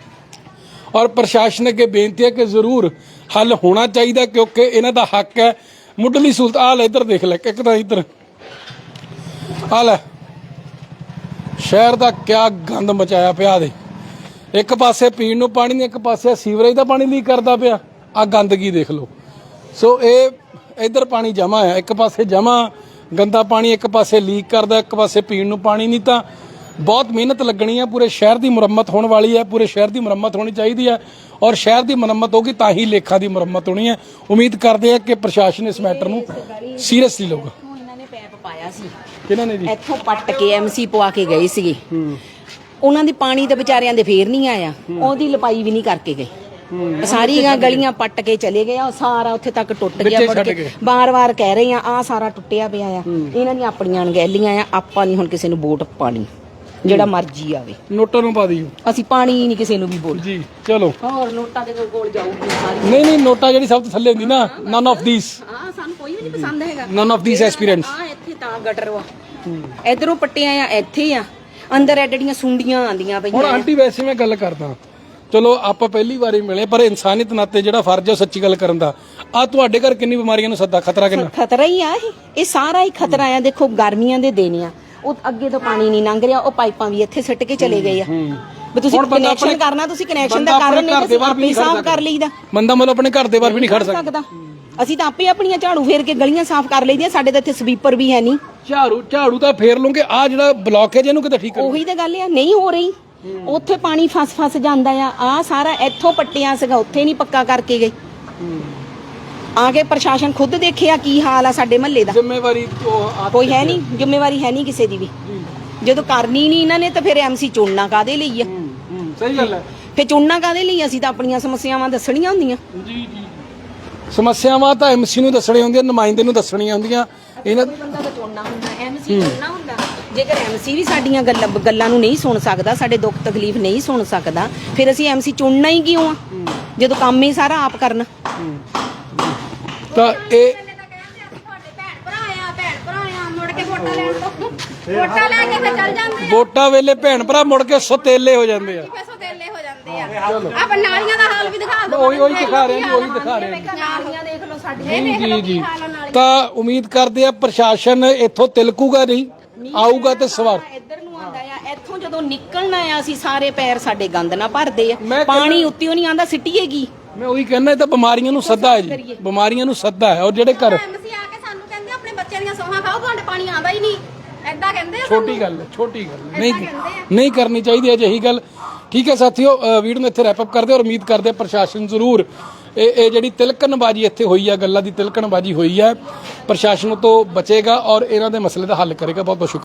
S1: ਔਰ ਪ੍ਰਸ਼ਾਸਨ ਅੱਗੇ ਬੇਨਤੀ ਹੈ ਕਿ ਜ਼ਰੂਰ ਹੱਲ ਹੋਣਾ ਚਾਹੀਦਾ, ਕਿਉਂਕਿ ਇਹਨਾਂ ਦਾ ਹੱਕ ਹੈ। ਮੁੱਢਲੀ ਸਹੂਲਤ ਆ ਲੈ, ਇੱਧਰ ਦੇਖ ਲੈ, ਇੱਕ ਤਾਂ ਇੱਧਰ ਆ ਲੈ, ਸ਼ਹਿਰ ਦਾ ਕਿਆ ਗੰਦ ਮਚਾਇਆ ਪਿਆ ਦੇ। ਇੱਕ ਪਾਸੇ ਪੀਣ ਨੂੰ ਪਾਣੀ ਨਹੀਂ, ਇੱਕ ਪਾਸੇ ਸੀਵਰੇਜ ਦਾ ਪਾਣੀ ਲੀਕ ਕਰਦਾ ਪਿਆ। ਆ ਗੰਦਗੀ ਦੇਖ ਲਓ। ਸੋ ਇਹ ਇੱਧਰ ਪਾਣੀ ਜਮਾ ਆ, ਇੱਕ ਪਾਸੇ ਜਮਾ ਗੰਦਾ ਪਾਣੀ, ਇੱਕ ਪਾਸੇ ਲੀਕ ਕਰਦਾ, ਇੱਕ ਪਾਸੇ ਪੀਣ ਨੂੰ ਪਾਣੀ ਨਹੀਂ। ਤਾਂ ਬਹੁਤ ਮਿਹਨਤ ਲੱਗਣੀ ਹੈ, ਪੂਰੇ ਸ਼ਹਿਰ ਦੀ ਮੁਰੰਮਤ ਹੋਣ ਵਾਲੀ ਹੈ, ਪੂਰੇ ਸ਼ਹਿਰ ਦੀ ਮੁਰੰਮਤ ਹੋਣੀ ਚਾਹੀਦੀ ਹੈ, ਔਰ ਸ਼ਹਿਰ ਦੀ ਮੁਰੰਮਤ ਹੋਗੀ ਤਾਂ ਹੀ ਲੇਖਾਂ ਦੀ ਮੁਰੰਮਤ ਹੋਣੀ ਹੈ। ਉਮੀਦ ਕਰਦੇ ਆ ਕਿ ਪ੍ਰਸ਼ਾਸਨ ਇਸ ਮੈਟਰ ਨੂੰ ਸੀਰੀਅਸਲੀ ਲਊਗਾ।
S10: ਇਹਨਾਂ ਨੇ ਪੈਪ ਪਾਇਆ ਸੀ,
S1: ਕਿਹਨਾਂ ਨੇ ਜੀ?
S10: ਇੱਥੋਂ ਪੱਟ ਕੇ ਐਮਸੀ ਪਵਾ ਕੇ ਗਏ ਸੀਗੇ। ਉਹਨਾਂ ਦੀ ਪਾਣੀ ਤੇ ਵਿਚਾਰਿਆਂ ਦੇ ਫੇਰ ਨਹੀਂ ਆਇਆ, ਉਹਦੀ ਲਪਾਈ ਵੀ ਨਹੀਂ ਕਰਕੇ ਗਏ। ਸਾਰੀਆਂ ਗਲੀਆਂ ਪੱਟ ਕੇ ਚਲੇ ਗਏ ਆ, ਸਾਰਾ ਉੱਥੇ ਤੱਕ ਟੁੱਟ ਗਿਆ। ਮੁੜ ਕੇ ਬਾਰ-ਬਾਰ ਕਹਿ ਰਹੇ ਆ ਆ ਸਾਰਾ ਟੁੱਟਿਆ ਪਿਆ ਆ। ਇਹਨਾਂ ਦੀਆਂ ਆਪਣੀਆਂ ਅਣਗਹਿਲੀਆਂ ਆ, ਆਪਾਂ ਨਹੀਂ ਹੁਣ ਕਿਸੇ ਨੂੰ ਵੋਟ ਪਾਣੀ, ਜਿਹੜਾ ਮਰਜ਼ੀ ਆਵੇ।
S1: ਨੋਟਾਂ ਨੂੰ ਪਾ ਦਿਓ,
S10: ਅਸੀਂ ਪਾਣੀ ਨਹੀਂ ਕਿਸੇ ਨੂੰ ਵੀ ਬੋਲ
S1: ਜੀ। ਚਲੋ,
S10: ਹੋਰ ਨੋਟਾਂ ਦੇ ਕੋਲ ਜਾਊਗੀ ਸਾਰੀ।
S1: ਨਹੀਂ ਨਹੀਂ, ਨੋਟਾਂ ਜਿਹੜੀ ਸਭ ਤੋਂ ਥੱਲੇ ਹੁੰਦੀ ਨਾ, ਨਨ ਆਫ ਥੀਸ,
S10: ਹਾਂ ਸਾਨੂੰ ਕੋਈ ਵੀ ਨਹੀਂ ਪਸੰਦ ਹੈਗਾ।
S1: None of these aspirants.
S10: ਆ ਇੱਥੇ ਤਾਂ ਗਟਰ ਵਾ, ਇਧਰੋਂ ਪੱਟਿਆ ਆ, ਇੱਥੇ ਆ, ਅੰਦਰ ਐਡੀਆਂ ਸੁੰਡੀਆਂ ਆਂਦੀਆਂ ਪਈਆਂ।
S1: ਹੁਣ ਆਂਟੀ ਵੈਸੇ ਮੈਂ ਗੱਲ ਕਰਦਾ, ਚਲੋ ਆਪਾਂ ਪਹਿਲੀ ਵਾਰੀ ਮਿਲੇ, ਪਰ ਇਨਸਾਨੀਅਤ ਨਾਤੇ ਜਿਹੜਾ ਫਰਜ਼ ਹੈ ਉਹ ਸੱਚੀ ਗੱਲ ਕਰਨ ਦਾ। ਆ ਤੁਹਾਡੇ ਘਰ ਕਿੰਨੀ ਬਿਮਾਰੀਆਂ ਨੂੰ ਸੱਦਾ, ਖਤਰਾ ਕਿੰਨਾ?
S10: ਖਤਰਾ ਹੀ ਆ ਇਹ, ਇਹ ਸਾਰਾ ਹੀ ਖਤਰਾ ਆ। ਦੇਖੋ ਗਰਮੀਆਂ ਦੇ ਦਿਨ ਆ, ਉਹ ਅੱਗੇ ਤੋਂ ਪਾਣੀ ਨਹੀਂ ਲੰਘ ਰਿਹਾ, ਉਹ ਪਾਈਪਾਂ ਵੀ ਇੱਥੇ ਸਿੱਟ ਕੇ ਚਲੇ ਗਏ ਆ। ਵੀ ਤੁਸੀਂ ਕਨੈਕਸ਼ਨ ਕਰਨਾ, ਤੁਸੀਂ ਕਨੈਕਸ਼ਨ ਦਾ ਕਾਰਨ ਨਹੀਂ, ਤੁਸੀਂ ਆਪੇ ਸਾਫ਼ ਕਰ ਲਈਦਾ।
S1: ਬੰਦਾ ਮਤਲਬ ਆਪਣੇ ਘਰ ਦੇ ਬਾਹਰ ਵੀ ਨਹੀਂ ਖੜ ਸਕਦਾ।
S10: ਅਸੀਂ ਤਾਂ ਆਪੇ ਆਪਣੀਆਂ ਝਾੜੂ ਫੇਰ ਕੇ ਗਲੀਆਂ ਸਾਫ਼ ਕਰ ਲਈਦੀਆਂ। ਸਾਡੇ ਤਾਂ ਇੱਥੇ ਸਵੀਪਰ ਵੀ ਹੈ ਨਹੀਂ।
S1: ਝਾੜੂ ਝਾੜੂ ਤਾਂ ਫੇਰ ਲੂੰਗੇ, ਆ ਜਿਹੜਾ ਬਲੌਕੇਜ ਇਹਨੂੰ ਕਿਤੇ ਠੀਕ ਕਰੋ।
S10: ਉਹੀ ਤਾਂ ਗੱਲ ਆ, ਨਹੀਂ ਹੋ ਰਹੀ। ਉੱਥੇ ਪਾਣੀ ਫਸ ਫਸ ਜਾਂਦਾ ਆ। ਆ ਸਾਰਾ ਇੱਥੋਂ ਪੱਟਿਆ ਸੀਗਾ, ਉੱਥੇ ਨਹੀਂ ਪੱਕਾ ਕਰਕੇ ਗਏ। ਆ ਕੇ ਪ੍ਰਸ਼ਾਸਨ ਖੁਦ ਦੇਖਿਆ ਕੀ ਹਾਲ ਆ ਸਾਡੇ ਮਹੱਲੇ ਦਾ।
S1: ਜ਼ਿੰਮੇਵਾਰੀ
S10: ਕੋਈ ਹੈ ਨਹੀਂ, ਜ਼ਿੰਮੇਵਾਰੀ ਹੈ ਨਹੀਂ ਕਿਸੇ ਦੀ ਵੀ। ਜਦੋਂ ਕਰਨੀ ਨਹੀਂ ਇਹਨਾਂ ਨੇ ਤਾਂ ਫਿਰ ਐਮਸੀ ਚੁਣਨਾ ਕਾਦੇ ਲਈ ਆ?
S1: ਸਹੀ ਗੱਲ ਹੈ,
S10: ਫਿਰ ਚੁਣਨਾ ਕਾਦੇ ਲਈ? ਅਸੀਂ ਤਾਂ ਆਪਣੀਆਂ ਸਮੱਸਿਆਵਾਂ ਦੱਸਣੀਆਂ ਹੁੰਦੀਆਂ।
S1: ਜੀ ਜੀ, ਸਮੱਸਿਆਵਾਂ ਤਾਂ ਐਮਸੀ ਨੂੰ ਦੱਸਣੀਆਂ ਹੁੰਦੀਆਂ, ਨੁਮਾਇੰਦੇ ਨੂੰ ਦੱਸਣੀਆਂ ਹੁੰਦੀਆਂ। ਇਹਨਾਂ
S10: ਬੰਦਾ ਤਾਂ ਚੁਣਨਾ ਹੁੰਦਾ, ਐਮਸੀ ਚੁਣਨਾ ਹੁੰਦਾ। ਜੇਕਰ ਐਮਸੀ ਵੀ ਸਾਡੀਆਂ ਗੱਲਾਂ ਗੱਲਾਂ ਨੂੰ ਨਹੀਂ ਸੁਣ ਸਕਦਾ, ਸਾਡੇ ਦੁੱਖ ਤਕਲੀਫ ਨਹੀਂ ਸੁਣ ਸਕਦਾ, ਫਿਰ ਅਸੀਂ ਐਮਸੀ ਚੁਣਨਾ ਹੀ ਕਿਉਂ ਆ, ਜਦੋਂ ਕੰਮ ਹੀ ਸਾਰਾ ਆਪ ਕਰਨਾ।
S1: ਤਾਂ ਇਹ
S3: ਵੋਟਾਂ ਲੈ ਕੇ ਫਿਰ ਚੱਲ ਜਾਂਦੇ
S1: ਵੋਟਾਂ ਵੇਲੇ ਭੈਣ ਭਰਾ ਮੁੜ ਕੇ ਸੁਤੇਲੇ ਹੋ ਜਾਂਦੇ ਆ।
S3: ਆ, ਸੋਤੇਲੇ ਹੋ ਜਾਂਦੇ ਆ। ਆਪ ਨਾਲੀਆਂ ਦਾ ਹਾਲ ਵੀ ਦਿਖਾ ਦਿਓ।
S1: ਉਹੀ ਉਹੀ ਦਿਖਾ ਰਹੇ ਜੀ, ਉਹੀ ਦਿਖਾ ਰਹੇ
S3: ਨਾਲੀਆਂ ਦੇਖ ਲਓ ਸਾਡੀਆਂ।
S1: ਜੀ ਜੀ ਜੀ। ਤਾਂ ਉਮੀਦ ਕਰਦੇ ਆ ਪ੍ਰਸ਼ਾਸਨ ਇੱਥੋਂ ਤਿਲਕੂਗਾ ਨਹੀਂ, ਆਊਗਾ ਤੇ ਸਵਾਰ
S10: ਇੱਧਰ ਨੂੰ ਆਂਦਾ ਆ। ਇੱਥੋਂ ਜਦੋਂ ਨਿਕਲਣਾ ਆ, ਅਸੀਂ ਸਾਰੇ ਪੈਰ ਸਾਡੇ ਗੰਦ ਨਾਲ ਭਰਦੇ ਆ।
S1: ਮੈਂ
S10: ਪਾਣੀ ਉੱਤੇੋਂ ਨਹੀਂ ਆਂਦਾ, ਸਿੱਟੀਏਗੀ।
S1: ਮੈਂ ਉਹੀ ਕਹਿੰਦਾ, ਇਹ ਤਾਂ ਬਿਮਾਰੀਆਂ ਨੂੰ ਸੱਦਾ ਹੈ ਜੀ, ਬਿਮਾਰੀਆਂ ਨੂੰ ਸੱਦਾ ਹੈ। ਔਰ ਜਿਹੜੇ ਘਰ
S3: ਐਮਸੀ ਆ ਕੇ ਸਾਨੂੰ ਕਹਿੰਦੇ ਆਪਣੇ ਬੱਚਿਆਂ ਦੀਆਂ ਸੋਹਾਂ ਖਾਓ, ਤੁਹਾਡੇ ਪਾਣੀ ਆਂਦਾ ਹੀ ਨਹੀਂ, ਐਦਾਂ ਕਹਿੰਦੇ ਆ।
S1: ਛੋਟੀ ਗੱਲ ਹੈ, ਛੋਟੀ ਗੱਲ ਨਹੀਂ ਨਹੀਂ ਕਰਨੀ ਚਾਹੀਦੀ ਅਜਿਹੀ ਗੱਲ। ਠੀਕ ਹੈ ਸਾਥੀਓ, ਵੀਡੀਓ ਨੂੰ ਇੱਥੇ ਰੈਪ ਅਪ ਕਰਦੇ ਔਰ ਉਮੀਦ ਕਰਦੇ ਪ੍ਰਸ਼ਾਸਨ ਜ਼ਰੂਰ ਇਹ ਇਹ ਜਿਹੜੀ ਤਿਲਕਣਬਾਜੀ ਇੱਥੇ ਹੋਈ ਹੈ, ਗੱਲਾਂ ਦੀ ਤਿਲਕਣਬਾਜੀ ਹੋਈ ਹੈ, ਪ੍ਰਸ਼ਾਸਨ ਤੋਂ ਬਚੇਗਾ ਔਰ ਇਹਨਾਂ ਦੇ ਮਸਲੇ ਦਾ ਹੱਲ ਕਰੇਗਾ। ਬਹੁਤ ਬਹੁਤ ਸ਼ੁਕਰੀਆ।